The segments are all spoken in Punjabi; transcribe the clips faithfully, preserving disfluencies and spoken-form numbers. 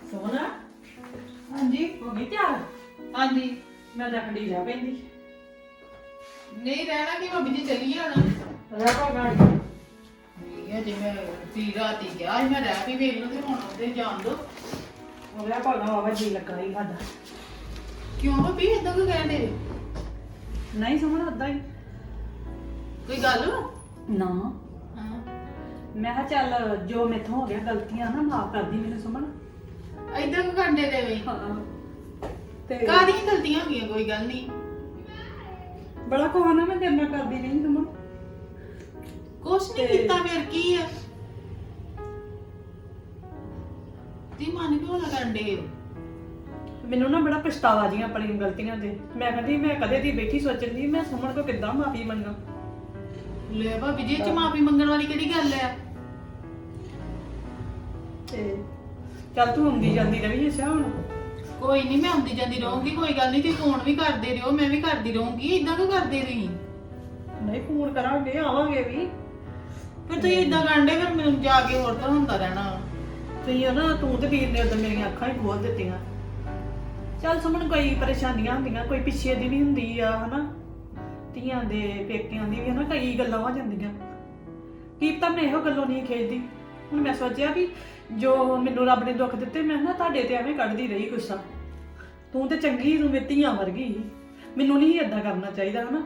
ਸੋਨਾ ਹਾਂਜੀ ਹੋ ਗਈ ਤਿਆਰ? ਹਾਂਜੀ ਮੈਂ ਤਾਂ ਖੜੀ ਜਾ ਪੈਂਦੀ। ਨਹੀਂ ਰਹਿਣਾ ਕਿ ਭਾਬੀ ਜੀ ਚੱਲੀਏ ਹੁਣ ਰਹਿ ਗਾੜੀ ਠੀਕ ਹੈ ਜੇ ਮੈਂ ਤੀ ਰਾਤੀ ਗਿਆ ਸੀ ਮੈਂ ਰਹਿ ਵੀ ਵੇਖ ਲੂ ਤੇ ਹੁਣ ਉਹਦੇ ਜਾਣ ਦੋ ਉਹ ਰਹਿ ਭਾਗਾ ਬਾਬਾ ਜੀ ਲੱਗਾ ਹੀ ਸਾਡਾ। ਕਿਉਂ ਭਾਬੀ ਏਦਾਂ ਕਿਉਂ ਕਹਿੰਦੇ ਨਹੀਂ ਸਮਝ ਅੱਦਾ ਹੀ ਕੋਈ ਗੱਲ ਵਾ? ਨਾ। ਹਾਂ ਮੈਂ ਕਿਹਾ ਚੱਲ ਜੋ ਮੈਥੋਂ ਹੋ ਗਿਆ ਗਲਤੀਆਂ ਨਾ ਮਾਫ ਕਰਦੀ ਮੈਨੂੰ ਸਮਝ। ਏਦਾਂ ਕਿਉਂ ਕਰਦੇ ਦੇ ਵੇ ਹਾਂ ਤੇ ਕਾਹਦੀਆਂ ਗਲਤੀਆਂ ਹੋ ਗਈਆਂ ਕੋਈ ਗੱਲ ਨਹੀਂ ਬੜਾ ਕੋਹਨਾ ਮੈਂ ਤੇਰੇ ਨਾਲ ਕਰਦੀ ਰਹੀ ਸਮਝ। ਕੁਛ ਨਹੀਂ ਤੇ- ਕੀਤਾ ਫਿਰ ਕੀ ਆ ਤੀ ਮਨ ਕਿਉਂ ਨਾ ਕਰਦੇ ਮੈਨੂੰ ਨਾ ਬੜਾ ਪਛਤਾਵਾ ਜੀ ਆਪਣੀ ਗਲਤੀਆਂ ਤੇ। ਮੈਂ ਕਹਿੰਦੀ ਮੈਂ ਕਦੇ ਦੀ ਬੈਠੀ ਸੋਚਦੀ ਮੈਂ ਸੁਮਨ ਕੋ ਕਿੱਦਾਂ ਮਾਫੀ ਮੰਗਾ। ਲੈ ਭਾਬੀ ਜੀ ਚ ਮਾਫੀ ਮੰਗਣ ਵਾਲੀ ਕਿਹੜੀ ਗੱਲ ਆ ਤੇ ਚੱਲ ਤੂੰ ਹੁੰਦੀ ਜਾਂਦੀ ਰਵੀ ਅੱਛਾ ਹੁਣ। ਕੋਈ ਨਹੀਂ ਮੈਂ ਆਉਂਦੀ ਜਾਂਦੀ ਰਹੂੰਗੀ ਕੋਈ ਗੱਲ ਨਹੀਂ ਤੁਸੀਂ ਫੋਨ ਵੀ ਕਰਦੇ ਰਹੋ ਮੈਂ ਵੀ ਕਰਦੀ ਰਹੂੰਗੀ ਇਦਾਂ ਕਿਉਂ ਕਰਦੇ ਰਹੀ ਨਹੀਂ ਫੋਨ ਕਰਾਂਗੇ ਆਵਾਂਗੇ ਵੀ। ਫਿਰ ਤੁਸੀਂ ਇਦਾਂ ਕਰਦੇ ਫਿਰ ਮੈਨੂੰ ਜਾ ਕੇ ਹੋਰ ਤਾਂ ਹੁੰਦਾ ਰਹਿਣਾ ਤੁਸੀਂ ਨਾ ਤੂੰ ਤੇ ਵੀਰ ਨੇ ਉਦੋਂ ਮੇਰੀਆਂ ਅੱਖਾਂ ਹੀ ਖੋਲ ਦਿੱਤੀਆਂ। ਚੱਲ ਸੁਮਨ ਕੋਈ ਪਰੇਸ਼ਾਨੀਆਂ ਹੁੰਦੀਆਂ ਕੋਈ ਪਿੱਛੇ ਦੀ ਵੀ ਹੁੰਦੀ ਆ ਹਨਾ ਧੀਆਂ ਦੇ ਪੇਕਿਆਂ ਦੀ ਵੀ ਹਨਾ ਕਈ ਗੱਲਾਂ ਹੋ ਜਾਂਦੀਆਂ। ਕੀ ਤਾਂ ਮੈਂ ਇਹੋ ਗੱਲੋਂ ਨਹੀਂ ਖੇਡਦੀ। ਹੁਣ ਮੈਂ ਸੋਚਿਆ ਵੀ ਜੋ ਮੈਨੂੰ ਰੱਬ ਨੇ ਦੁੱਖ ਦਿੱਤੇ ਮੈਂ ਨਾ ਤੁਹਾਡੇ ਤੇ ਐਵੇਂ ਕੱਢਦੀ ਰਹੀ ਗੁੱਸਾ। ਤੂੰ ਤੇ ਚੰਗੀ ਤੂੰ ਮੇਰੀ ਧੀਆਂ ਵਰਗੀ ਮੈਨੂੰ ਨਹੀਂ ਏਦਾਂ ਕਰਨਾ ਚਾਹੀਦਾ ਹਨਾ।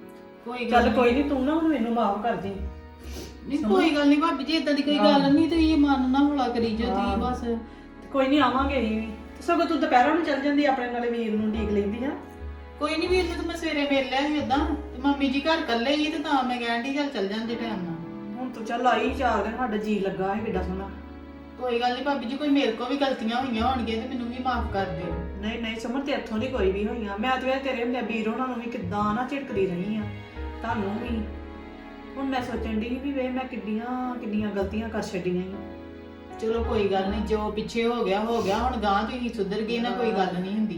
ਕੋਈ ਚੱਲ ਕੋਈ ਨਹੀਂ ਤੂੰ ਨਾ ਹੁਣ ਮੈਨੂੰ ਮਾਫ ਕਰ ਦੇ। ਨਹੀਂ ਕੋਈ ਗੱਲ ਨਹੀਂ ਭਾਬੀ ਜੀ ਇਦਾਂ ਦੀ ਕੋਈ ਗੱਲ ਨਹੀਂ ਤੁਸੀਂ ਮਨ ਨਾ ਹੌਲਾ ਕਰੀ ਜੋ ਤੁਸੀਂ ਬਸ ਕੋਈ ਨਹੀਂ ਆਵਾਂਗੇ ਅਸੀਂ ਵੀ। ਸਗੋਂ ਤੂੰ ਦੁਪਹਿਰਾਂ ਨੂੰ ਚੱਲ ਜਾਂਦੀ ਆਪਣੇ ਨਾਲੇ ਵੀਰ ਨੂੰ ਢੀਕ ਲੈਂਦੀ ਆ। ਕੋਈ ਨਹੀਂ ਵੀਰ ਨੂੰ ਤਾਂ ਮੈਂ ਸਵੇਰੇ ਮਿਲ ਲਿਆ ਸੀ ਉਦਾਂ ਤੇ ਮੰਮੀ ਜੀ ਘਰ ਇਕੱਲੇ ਹੀ ਤੇ ਤਾਂ ਮੈਂ ਕਹਿਣ ਦੀ ਚੱਲ ਚੱਲ ਜਾਂਦੇ ਟਾਈਮ ਨਾਲ। ਹੁਣ ਤੂੰ ਚੱਲ ਆਈ ਚਾਰ ਦਿਨ ਸਾਡਾ ਜੀ ਲੱਗਾ ਹੈ ਕਿੱਡਾ ਸੋਹਣਾ। ਕੋਈ ਗੱਲ ਨਹੀਂ ਭਾਬੀ ਜੀ ਕੋਈ ਮੇਰੇ ਕੋ ਵੀ ਗਲਤੀਆਂ ਹੋਈਆਂ ਹੋਣਗੀਆਂ ਤੇ ਮੈਨੂੰ ਵੀ ਮਾਫ ਕਰ ਦਿਓ ਨਹੀਂ ਨਹੀਂ ਸਮਝ ਤੇ ਇੱਥੋਂ ਨਹੀਂ ਕੋਈ ਵੀ ਹੋਈਆਂ। ਮੈਂ ਤੇ ਤੇਰੇ ਹੁੰਦੇ ਵੀਰ ਉਹਨਾਂ ਨੂੰ ਵੀ ਕਿੱਦਾਂ ਨਾ ਝਿੜਕਦੀ ਰਹੀ ਆ ਤੁਹਾਨੂੰ ਵੀ। ਹੁਣ ਮੈਂ ਸੋਚਣ ਦੀ ਵੀ ਵੇ ਮੈਂ ਕਿੰਨੀਆਂ ਕਿੰਨੀਆਂ ਗਲਤੀਆਂ ਕਰ ਛੱਡੀਆਂ ਈ। ਚਲੋ ਕੋਈ ਗੱਲ ਨਹੀਂ ਜੋ ਪਿੱਛੇ ਹੋ ਗਿਆ ਹੋ ਗਿਆ ਹੁਣ ਗਾਂ ਤੁਸੀਂ ਸੁਧਰ ਗਏ ਨਾ ਕੋਈ ਗੱਲ ਨਹੀਂ ਹੁੰਦੀ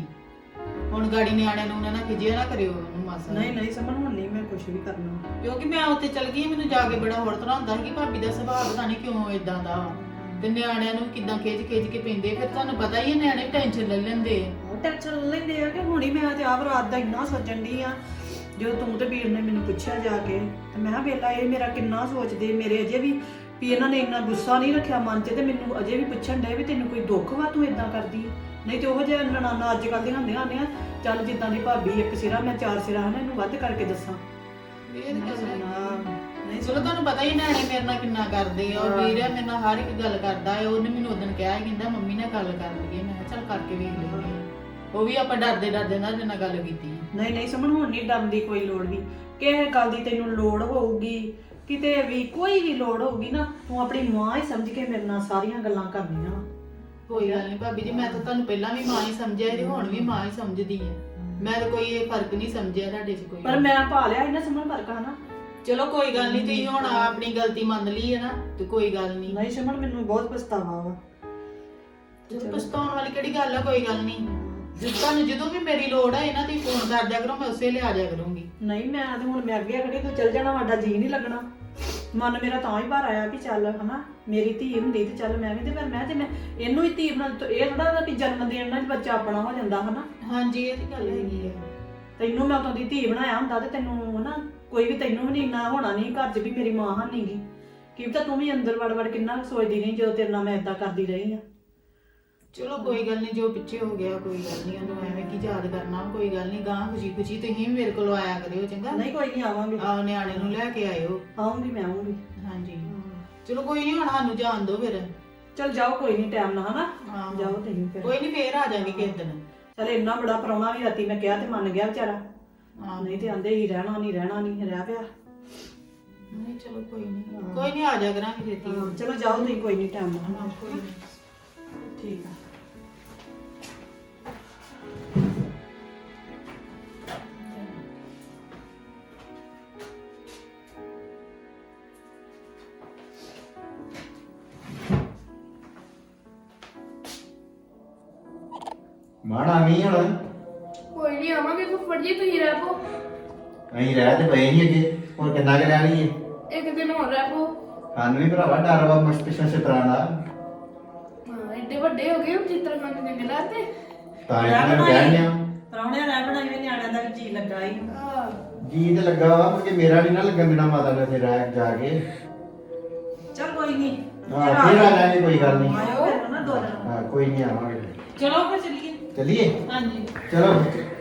ਹੁਣ ਗਾੜੀ ਨਿਆਣਿਆਂ ਨੂੰ ਨਾ ਖਿਜਿਆ ਨਾ ਕਰਿਓ ਉਹਨੂੰ ਮਾਸਾ ਨਹੀਂ ਨਹੀਂ ਸਮਝ ਹੁਣ ਨਹੀਂ ਮੈਂ ਕੁਝ ਵੀ ਕਰਨਾ। ਕਿਉਂਕਿ ਮੈਂ ਉੱਥੇ ਚਲ ਗਈ ਮੈਨੂੰ ਜਾ ਕੇ ਬੜਾ ਹੋਰ ਤਰ੍ਹਾਂ ਹੁੰਦਾ ਸੀ ਕਿ ਭਾਬੀ ਦਾ ਸੁਭਾਅ ਪਤਾ ਨਹੀਂ ਕਿਉਂ ਇਦਾਂ ਦਾ ਤੇ ਨਿਆਣਿਆਂ ਨੂੰ ਕਿਦਾਂ ਖਿੱਚ ਖਿੱਚ ਕੇ ਪੈਂਦੇ ਫਿਰ ਤੁਹਾਨੂੰ ਪਤਾ ਹੀ ਹੈ ਨਿਆਣੇ ਟੈਨਸ਼ਨ ਲੈ ਲੈਂਦੇ ਉਹ ਟੈਨਸ਼ਨ ਲੈਂਦੇ ਆ ਕਿ ਹੁਣੀ ਮੈਂ ਤੇ ਆਪ ਰਾਤ ਦਾ ਇੰਨਾ ਸੋਚਣ ਦੀ ਆ। ਜਦੋਂ ਤੂੰ ਤੇ ਵੀਰ ਨੇ ਮੈਨੂੰ ਪੁੱਛਿਆ ਜਾ ਕੇ ਤੇ ਮੈਂ ਕਿਹਾ ਵੇਲਾ ਇਹ ਮੇਰਾ ਕਿੰਨਾ ਸੋਚਦੇ ਮੇਰੇ ਅਜੇ ਵੀ ਵੀ ਇਹਨਾਂ ਨੇ ਇੰਨਾ ਗੁੱਸਾ ਨਹੀਂ ਰੱਖਿਆ ਮਨ 'ਚ ਤੇ ਮੈਨੂੰ ਅਜੇ ਵੀ ਪੁੱਛਣ ਡਏ ਵੀ ਤੈਨੂੰ ਕੋਈ ਦੁੱਖ ਵਾ ਤੂੰ ਇਦਾਂ ਕਰਦੀ ਨਹੀਂ ਤੇ ਉਹ ਜਿਹੇ ਨਨਾਣਾ ਅੱਜ ਕੱਲ੍ਹ ਦੀਆਂ ਹੁੰਦੀਆਂ ਨੇ ਚੱਲ ਜਿੱਦਾਂ ਦੀ ਭਾਬੀ ਇੱਕ ਸਿਰਾ ਮੈਂ ਚਾਰ ਸਿਰਾ ਹਨ ਇਹਨੂੰ ਵੱਧ ਕਰਕੇ ਦੱਸਾਂ। ਇਹ ਤਾਂ ਗੱਲ ਹੈ। ਨਹੀਂ ਚਲੋ ਤੁਹਾਨੂੰ ਪਤਾ ਹੀ ਨਿਆਣੇ ਮੇਰੇ ਨਾਲ ਕਿੰਨਾ ਕਰਦੇ ਆ ਉਹ ਵੀਰ ਮੇਰੇ ਨਾਲ ਹਰ ਇੱਕ ਗੱਲ ਕਰਦਾ ਹੈ ਉਹਨੇ ਮੈਨੂੰ ਉਦੋਂ ਕਿਹਾ ਸੀ ਕਹਿੰਦਾ ਮੰਮੀ ਨਾਲ ਗੱਲ ਕਰ ਲਈਏ ਮੈਂ ਕਿਹਾ ਚੱਲ ਕਰਕੇ ਵੇਖ ਲੈਂਦੇ ਆ ਉਹ ਵੀ ਆਪਾਂ ਡਰਦੇ ਡਰਦੇ ਨਾਲ ਜਿੰਨਾ ਗੱਲ ਕੀਤੀ ਨਹੀਂ ਨਹੀਂ ਸਮਝ ਹੁਣ ਨਹੀਂ ਡਰਨ ਦੀ ਕੋਈ ਲੋੜ ਵੀ। ਕਿਸੇ ਗੱਲ ਦੀ ਤੈਨੂੰ ਲੋੜ ਹੋਊਗੀ ਕਿਤੇ ਵੀ ਕੋਈ ਵੀ ਲੋੜ ਹੋਊਗੀ ਨਾ ਤੂੰ ਆਪਣੀ ਮਾਂ ਹੀ ਸਮਝ ਕੇ ਮੇਰੇ ਨਾਲ ਸਾਰੀਆਂ ਗੱਲਾਂ ਕਰਨੀਆਂ। ਕੋਈ ਗੱਲ ਨਹੀਂ ਭਾਬੀ ਜੀ ਮੈਂ ਤਾਂ ਤੁਹਾਨੂੰ ਪਹਿਲਾਂ ਵੀ ਮਾਂ ਹੀ ਸਮਝਿਆ ਤੇ ਹੁਣ ਵੀ ਮਾਂ ਹੀ ਸਮਝਦੀ ਆ ਮੈਂ ਤਾਂ ਕੋਈ ਇਹ ਫਰਕ ਨਹੀਂ ਸਮਝਿਆ ਤੁਹਾਡੇ 'ਚ ਕੋਈ ਪਰ ਮੈਂ ਪਾ ਲਿਆ ਇਹਨਾਂ ਸਮਝ ਫਰਕ ਹਨਾ। ਚਲੋ ਕੋਈ ਗੱਲ ਨਹੀਂ ਤੁਸੀਂ ਹੁਣ ਆਪਣੀ ਗਲਤੀ ਮੰਨ ਲਈ ਹੈ ਨਾ ਤੇ ਕੋਈ ਗੱਲ ਨਹੀਂ ਨਹੀਂ ਸਮਝ ਮੈਨੂੰ ਬਹੁਤ ਪਛਤਾਵਾ ਵਾ। ਪਛਤਾਉਣ ਵਾਲੀ ਕਿਹੜੀ ਗੱਲ ਆ ਕੋਈ ਗੱਲ ਨਹੀਂ ਜਦੋਂ ਤੁਹਾਨੂੰ ਜਦੋਂ ਵੀ ਮੇਰੀ ਲੋੜ ਹੈ ਨਾ ਤੁਸੀਂ ਫੋਨ ਕਰ ਦਿਆ ਕਰੋ ਮੈਂ ਉਸੇ ਲਈ ਆ ਜਾਇਆ ਕਰੂੰਗੀ। ਨਹੀਂ ਮੈਂ ਤੇ ਹੁਣ ਮੈਂ ਅੱਗੇ ਅਗੜੀ ਤੂੰ ਚੱਲ ਜਾਣਾ ਸਾਡਾ ਜੀ ਨਹੀਂ ਲੱਗਣਾ। ਮਨ ਮੇਰਾ ਤਾਂ ਹੀ ਭਰ ਆਇਆ ਵੀ ਚੱਲ ਹਨਾ ਮੇਰੀ ਧੀ ਹੁੰਦੀ ਤੇ ਚੱਲ ਮੈਂ ਵੀ ਤੇ ਫਿਰ ਮੈਂ ਤੇ ਮੈਂ ਇਹਨੂੰ ਹੀ ਧੀ ਬਣਾ ਇਹ ਥੋੜਾ ਵੀ ਜਨਮ ਦੇਣ ਨਾਲ ਬੱਚਾ ਆਪਣਾ ਹੋ ਜਾਂਦਾ ਹਨਾ। ਹਾਂਜੀ ਇਹ ਤੇ ਗੱਲ ਹੈਗੀ ਹੈ ਤੈਨੂੰ ਮੈਂ ਉਦੋਂ ਦੀ ਧੀ ਬਣਾਇਆ ਹੁੰਦਾ ਤੇ ਤੈਨੂੰ ਹਨਾ ਕੋਈ ਵੀ ਤੈਨੂੰ ਵੀ ਨਹੀਂ ਇੰਨਾ ਹੋਣਾ ਨਹੀਂ ਘਰ 'ਚ ਵੀ ਮੇਰੀ ਮਾਂ ਹੈ ਨਹੀਂਗੀ ਕੀ ਪਤਾ ਤੂੰ ਵੀ ਅੰਦਰ ਵੜ ਵੜ ਕਿੰਨਾ ਸੋਚਦੀ ਰਹੀ ਜਦੋਂ ਤੇਰੇ ਨਾਲ ਮੈਂ ਏਦਾਂ ਕਰਦੀ ਰਹੀ ਆ। ਚਲੋ ਕੋਈ ਗੱਲ ਨਹੀਂ ਜੋ ਪਿੱਛੇ ਹੋ ਗਿਆ ਕੋਈ ਗੱਲ ਨਹੀਂ ਉਹਨੂੰ ਐਵੇਂ ਕੀ ਯਾਦ ਕਰਨਾ ਕੋਈ ਗੱਲ ਨਹੀਂ ਗਾਂ ਖੁਸ਼ੀ ਖੁਸ਼ੀ ਤੁਸੀਂ ਵੀ ਮੇਰੇ ਕੋਲ ਆਇਆ ਕਰਿਓ ਚੰਗਾ। ਨਹੀਂ ਕੋਈ ਨਹੀਂ ਆਵਾਂਗੇ ਆ ਨਿਆਣੇ ਨੂੰ ਲੈ ਕੇ ਆਇਓ। ਆਉਂਗੀ ਮੈਂ ਆਉਂਗੀ। ਹਾਂਜੀ ਚਲੋ ਕੋਈ ਨਹੀਂ ਹੁਣ ਸਾਨੂੰ ਜਾਣ ਦਿਓ ਫਿਰ। ਚੱਲ ਜਾਓ ਕੋਈ ਨਹੀਂ ਟਾਈਮ ਨਾਲ ਹਨਾ ਹਾਂ ਜਾਓ ਤੁਸੀਂ ਫਿਰ। ਕੋਈ ਨਹੀਂ ਫੇਰ ਆ ਜਾਾਂਗੇ ਕਿਸੇ ਦਿਨ। ਚੱਲ ਇੰਨਾ ਬੜਾ ਪ੍ਰਾਹੁਣਾ ਵੀ ਰਾਤੀ ਮੈਂ ਕਿਹਾ ਤੇ ਮੰਨ ਗਿਆ ਵਿਚਾਰਾ। ਹਾਂ ਨਹੀਂ ਤੇ ਆਂਦੇ ਹੀ ਰਹਿਣਾ ਨਹੀਂ ਰਹਿਣਾ ਨਹੀਂ ਰਹਿ ਪਿਆ। ਨਹੀਂ ਚਲੋ ਕੋਈ ਨਹੀਂ ਕੋਈ ਨਹੀਂ ਆ ਜਾ ਕਰਾਂਗੇ ਛੇਤੀ। ਚਲੋ ਜਾਓ ਤੁਸੀਂ ਕੋਈ ਨਹੀਂ ਟਾਈਮ ਨਾਲ ਹਾਂ ਕੋਈ ਨਹੀਂ ਠੀਕ ਆ। ਮਾੜਾ ਨਹੀਂ ਹੁਣ ਕੋਈ ਨਹੀਂ ਆਵਾਂਗੇ ਫੁੱਫੜ ਜੀ ਤੁਸੀਂ ਰਹਿ ਪੋ ਅਸੀਂ ਰਹਿ ਤੇ ਪਏ ਨਹੀਂ ਅੱਗੇ ਹੋਰ ਕਿੰਨਾ ਕੁ ਰਹਿ ਲਈਏ ਇੱਕ ਦਿਨ ਹੋਰ ਰਹਿ ਪੋ ਸਾਨੂੰ ਵੀ ਭਰਾਵਾ ਡਰ ਵਾ ਮਸਤ ਪਿਛਾ ਤਰ੍ਹਾਂ ਦਾ ਹਾਂ ਐਡੇ ਵੱਡੇ ਹੋ ਗਏ ਚਿੱਤਰ ਖਾਣੇ ਚੰਗੇ ਲੱਗਦੇ। ਤਾਂ ਇਹਨਾਂ ਨੂੰ ਕਹਿਣਿਆ ਪਰੌਣਿਆਂ ਰਹਿ ਬਣਾਈ ਵੀ ਨਿਆਣਿਆਂ ਦਾ ਵੀ ਜੀ ਲੱਗਾ ਹੀ ਹਾਂ ਜੀ ਤੇ ਲੱਗਾ ਵਾ ਕਿ ਮੇਰਾ ਨਹੀਂ ਨਾ ਲੱਗਣ ਦੇਣਾ ਮਾਤਾ ਨੇ ਤੇ ਰਹਿ ਜਾ ਕੇ। ਚਲ ਕੋਈ ਨਹੀਂ ਹਾਂ ਫੇਰ ਆ ਜਾਣੇ ਕੋਈ ਗੱਲ ਨਹੀਂ। ਆਇਓ ਫਿਰ ਨਾ ਦੋ ਦਿਨ ਹਾਂ ਕੋਈ ਨਹੀਂ ਆਵਾਂਗੇ। ਚਲੋ ਫਿਰ ਚੱਲੀਏ। ਚੱਲੀਏ ਹਾਂਜੀ ਚਲੋ।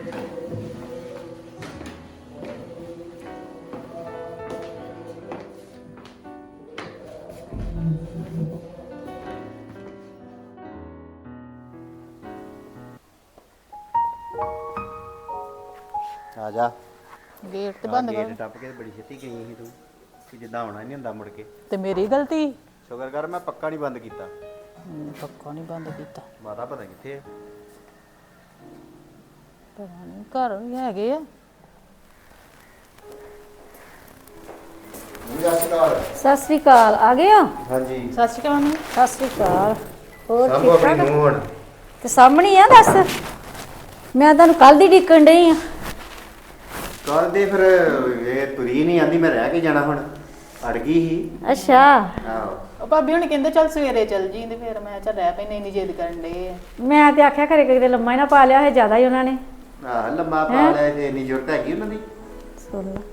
ਆ ਜਾ ਗੇਟ ਤੇ ਬੰਦ ਕਰ। ਗੇਟ ਟੱਪ ਕੇ ਬੜੀ ਛੇਤੀ ਗਈ ਸੀ ਤੂੰ ਕਿ ਜਿੱਦਾਂ ਆਉਣਾ ਨਹੀਂ ਹੁੰਦਾ ਮੁੜ ਕੇ। ਤੇ ਮੇਰੀ ਗਲਤੀ ਸ਼ੁਕਰ ਕਰ ਮੈਂ ਪੱਕਾ ਨਹੀਂ ਬੰਦ ਕੀਤਾ। ਪੱਕਾ ਨਹੀਂ ਬੰਦ ਕੀਤਾ। ਮਾਤਾ ਪਤਾ ਕਿੱਥੇ ਆ? ਪਤਾ ਨਹੀਂ ਘਰ ਵੀ ਹੈਗੇ ਆ। ਸਤਿ ਸ੍ਰੀ ਅਕਾਲ। ਆ ਗਏ ਹੋ? ਹਾਂਜੀ ਸਤਿ ਸ਼੍ਰੀ ਅਕਾਲ ਮੰਮੀ। ਸਤਿ ਸ੍ਰੀ ਅਕਾਲ। ਹੋਰ ਸਭ ਠੀਕ ਆਪਣੀ ਠਾਕ? ਨੂੰ ਹੁਣ ਤੇ ਸਾਹਮਣੇ ਹੀ ਆ ਦੱਸ। ਮੈਂ ਤੁਹਾਨੂੰ ਕੱਲ ਦੀ ਢੀਕਣ ਡਈ ਆ। ਕੱਲ ਦੇ ਫਿਰ ਇਹ ਤੁਰੀ ਨਹੀਂ ਆਂਦੀ, ਮੈਂ ਰਹਿ ਕੇ ਜਾਣਾ ਹੁਣ, ਅੜ ਗਈ ਸੀ। ਅੱਛਾ ਆਹੋ ਉਹ ਭਾਬੀ ਹੁਣ ਕਹਿੰਦੇ ਚੱਲ ਸਵੇਰੇ ਚੱਲ ਜੀ ਤੇ ਫਿਰ ਮੈਂ ਚੱਲ ਰਹਿ ਪੈਨੇ ਇੰਨੀ ਜਿੱਦ ਕਰਨ ਦੇ। ਮੈਂ ਤੇ ਆਖਿਆ ਘਰੇ ਕਿਤੇ ਲੰਮਾ ਹੀ ਨਾ ਪਾ ਲਿਆ ਹੈ, ਜ਼ਿਆਦਾ ਹੀ ਉਹਨਾਂ ਨੇ। ਆਹ ਲੰਮਾ ਪਾ ਲਿਆ ਤੇ ਇੰਨੀ ਜ਼ਰੂਰਤ ਹੈਗੀ ਉਹਨਾਂ ਦੀ। ਸੁਣ ਲਾ।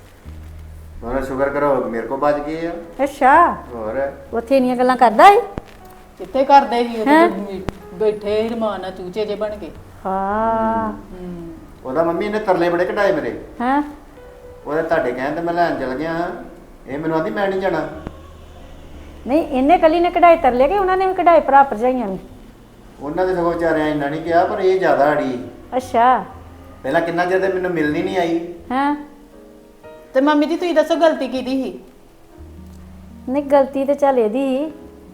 ਹੋਰ ਸ਼ੁਕਰ ਕਰੋ ਮੇਰੇ ਕੋ ਬਚ ਗਏ ਆ। ਅੱਛਾ ਹੋਰ ਉੱਥੇ ਇੰਨੀਆਂ ਗੱਲਾਂ ਕਰਦਾ ਏ? ਕਿੱਥੇ ਕਰਦੇ ਸੀ ਉਹ ਬੈਠੇ ਹੀ ਰਮਾਨ ਨਾਲ ਚੂਚੇ ਜੇ ਬਣ ਕੇ। ਹਾਂ ਹੂੰ ਉਹਦਾ ਮੰਮੀ ਨੇ ਤਰਲੇ ਬੜੇ ਕਢਾਏ ਮੇਰੇ। ਹਾਂ ਉਹਦੇ ਤੁਹਾਡੇ ਕਹਿਣ ਤੇ ਮੈਂ ਲੈਣ ਚਲ ਗਿਆ ਹਾਂ। ਇਹ ਮੈਨੂੰ ਆਂਦੀ ਮੈਂ ਨਹੀਂ ਜਾਣਾ। ਨਹੀਂ ਇਹਨੇ ਕੱਲੀ ਨੇ ਕਢਾਈ ਤਰ ਲਿਆ ਕਿ ਉਹਨਾਂ ਨੇ ਵੀ ਕਢਾਈ ਭਰਾ ਭਰਜਾਈਆਂ ਨੇ? ਉਹਨਾਂ ਦੇ ਸਗੋਂ ਵਿਚਾਰਿਆਂ ਇੰਨਾ ਨਹੀਂ ਕਿਹਾ, ਪਰ ਇਹ ਜ਼ਿਆਦਾ ਅੜੀ। ਅੱਛਾ ਪਹਿਲਾਂ ਕਿੰਨਾ ਚਿਰ ਤੇ ਮੈਨੂੰ ਮਿਲਣੀ ਨਹੀਂ ਆਈ। ਹਾਂ ਤੇ ਮੰਮੀ ਜੀ ਤੁਸੀਂ ਦੱਸੋ ਗਲਤੀ ਕਿਹਦੀ ਸੀ? ਨਹੀਂ ਗਲਤੀ ਤੇ ਚੱਲ ਇਹਦੀ ਸੀ।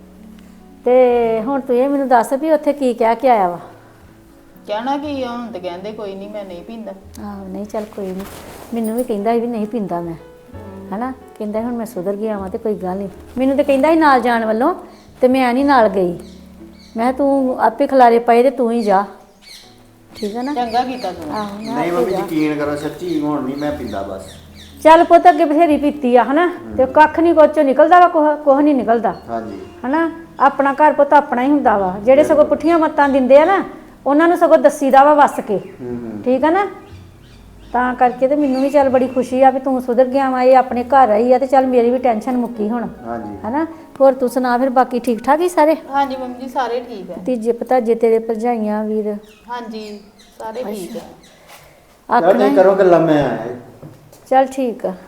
ਤੇ ਹੁਣ ਤੂੰ ਇਹ ਮੈਨੂੰ ਦੱਸ ਵੀ ਉੱਥੇ ਕੀ ਕਹਿ ਕੇ ਆਇਆ ਵਾ? ਕਹਿਣਾ ਕੀ ਆ, ਹੁਣ ਤੇ ਕਹਿੰਦੇ ਕੋਈ ਨਹੀਂ ਮੈਂ ਨਹੀਂ ਪੀਂਦਾ। ਆਹੋ ਨਹੀਂ ਚੱਲ ਕੋਈ ਨਹੀਂ। ਮੈਨੂੰ ਵੀ ਕਹਿੰਦਾ ਸੀ ਵੀ ਨਹੀਂ ਪੀਂਦਾ ਮੈਂ, ਹਨਾ। ਕਹਿੰਦਾ ਹੁਣ ਮੈਂ ਸੁਧਰ ਗਿਆ ਵਾਂ ਤੇ ਕੋਈ ਗੱਲ ਨਹੀਂ। ਮੈਨੂੰ ਤੇ ਕਹਿੰਦਾ ਸੀ ਨਾਲ ਜਾਣ ਵੱਲੋਂ, ਤੇ ਮੈਂ ਨਹੀਂ ਨਾਲ ਗਈ। ਮੈਂ ਤੂੰ ਆਪੇ ਖਲਾਰੇ ਪਏ ਤੇ ਤੂੰ ਹੀ ਜਾ, ਠੀਕ ਹੈ ਨਾ? ਚੰਗਾ ਕੀਤਾ ਤੂੰ। ਆਹੋ ਮੈਂ ਨਹੀਂ ਆਪੇ ਮੰਮੀ ਜਾ। ਯਕੀਨ ਕਰੋ ਸੱਚੀ ਹੁਣ ਨਹੀਂ ਮੈਂ ਪੀਂਦਾ ਬਸ। ਚੱਲ ਪੁੱਤ ਅੱਗੇ ਬਥੇਰੀ ਪੀਤੀ ਆ, ਹਨਾ। ਤੇ ਕੱਖ ਨਹੀਂ ਕੁਛ ਚੋਂ ਨਿਕਲਦਾ ਵਾ, ਕੁਛ ਕੁਛ ਨਹੀਂ ਨਿਕਲਦਾ, ਹਾਂਜੀ ਹਨਾ। ਆਪਣਾ ਘਰ ਪੁੱਤ ਆਪਣਾ ਹੀ ਹੁੰਦਾ ਵਾ। ਜਿਹੜੇ ਸਗੋਂ ਪੁੱਠੀਆਂ ਮੱਤਾਂ ਦਿੰਦੇ ਆ ਨਾ, ਉਹਨਾਂ ਨੂੰ ਸਗੋਂ ਦੱਸੀਦਾ ਵਾ ਵੱਸ ਕੇ, ਹੂੰ ਹੂੰ ਠੀਕ ਹੈ ਨਾ। ਤਾਂ ਕਰਕੇ ਤੇ ਮੈਨੂੰ ਵੀ ਚੱਲ ਬੜੀ ਖੁਸ਼ੀ ਆ ਵੀ ਤੂੰ ਸੁਧਰ ਗਿਆ ਵਾ, ਇਹ ਆਪਣੇ ਘਰ ਆਈ ਆ ਤੇ ਚੱਲ ਮੇਰੀ ਵੀ ਟੈਨਸ਼ਨ ਮੁੱਕੀ ਹੁਣ, ਹਾਂਜੀ ਹਨਾ। ਹੋਰ ਤੂੰ ਸੁਣਾ ਫਿਰ, ਬਾਕੀ ਠੀਕ ਠਾਕ ਹੀ ਸਾਰੇ? ਹਾਂਜੀ ਮੰਮੀ ਜੀ ਸਾਰੇ ਠੀਕ ਹੈ। ਤੀਜੇ ਭਤਾਜੇ ਤੇਰੇ ਭਰਜਾਈਆਂ ਵੀਰ? ਹਾਂਜੀ ਸਾਰੇ ਠੀਕ ਹੈ। ਚਲ ਆਖਣਾ ਨਹੀਂ ਕਰੋ ਗੱਲਾਂ, ਮੈਂ ਆਇਆ। ਚੱਲ ਠੀਕ ਆ।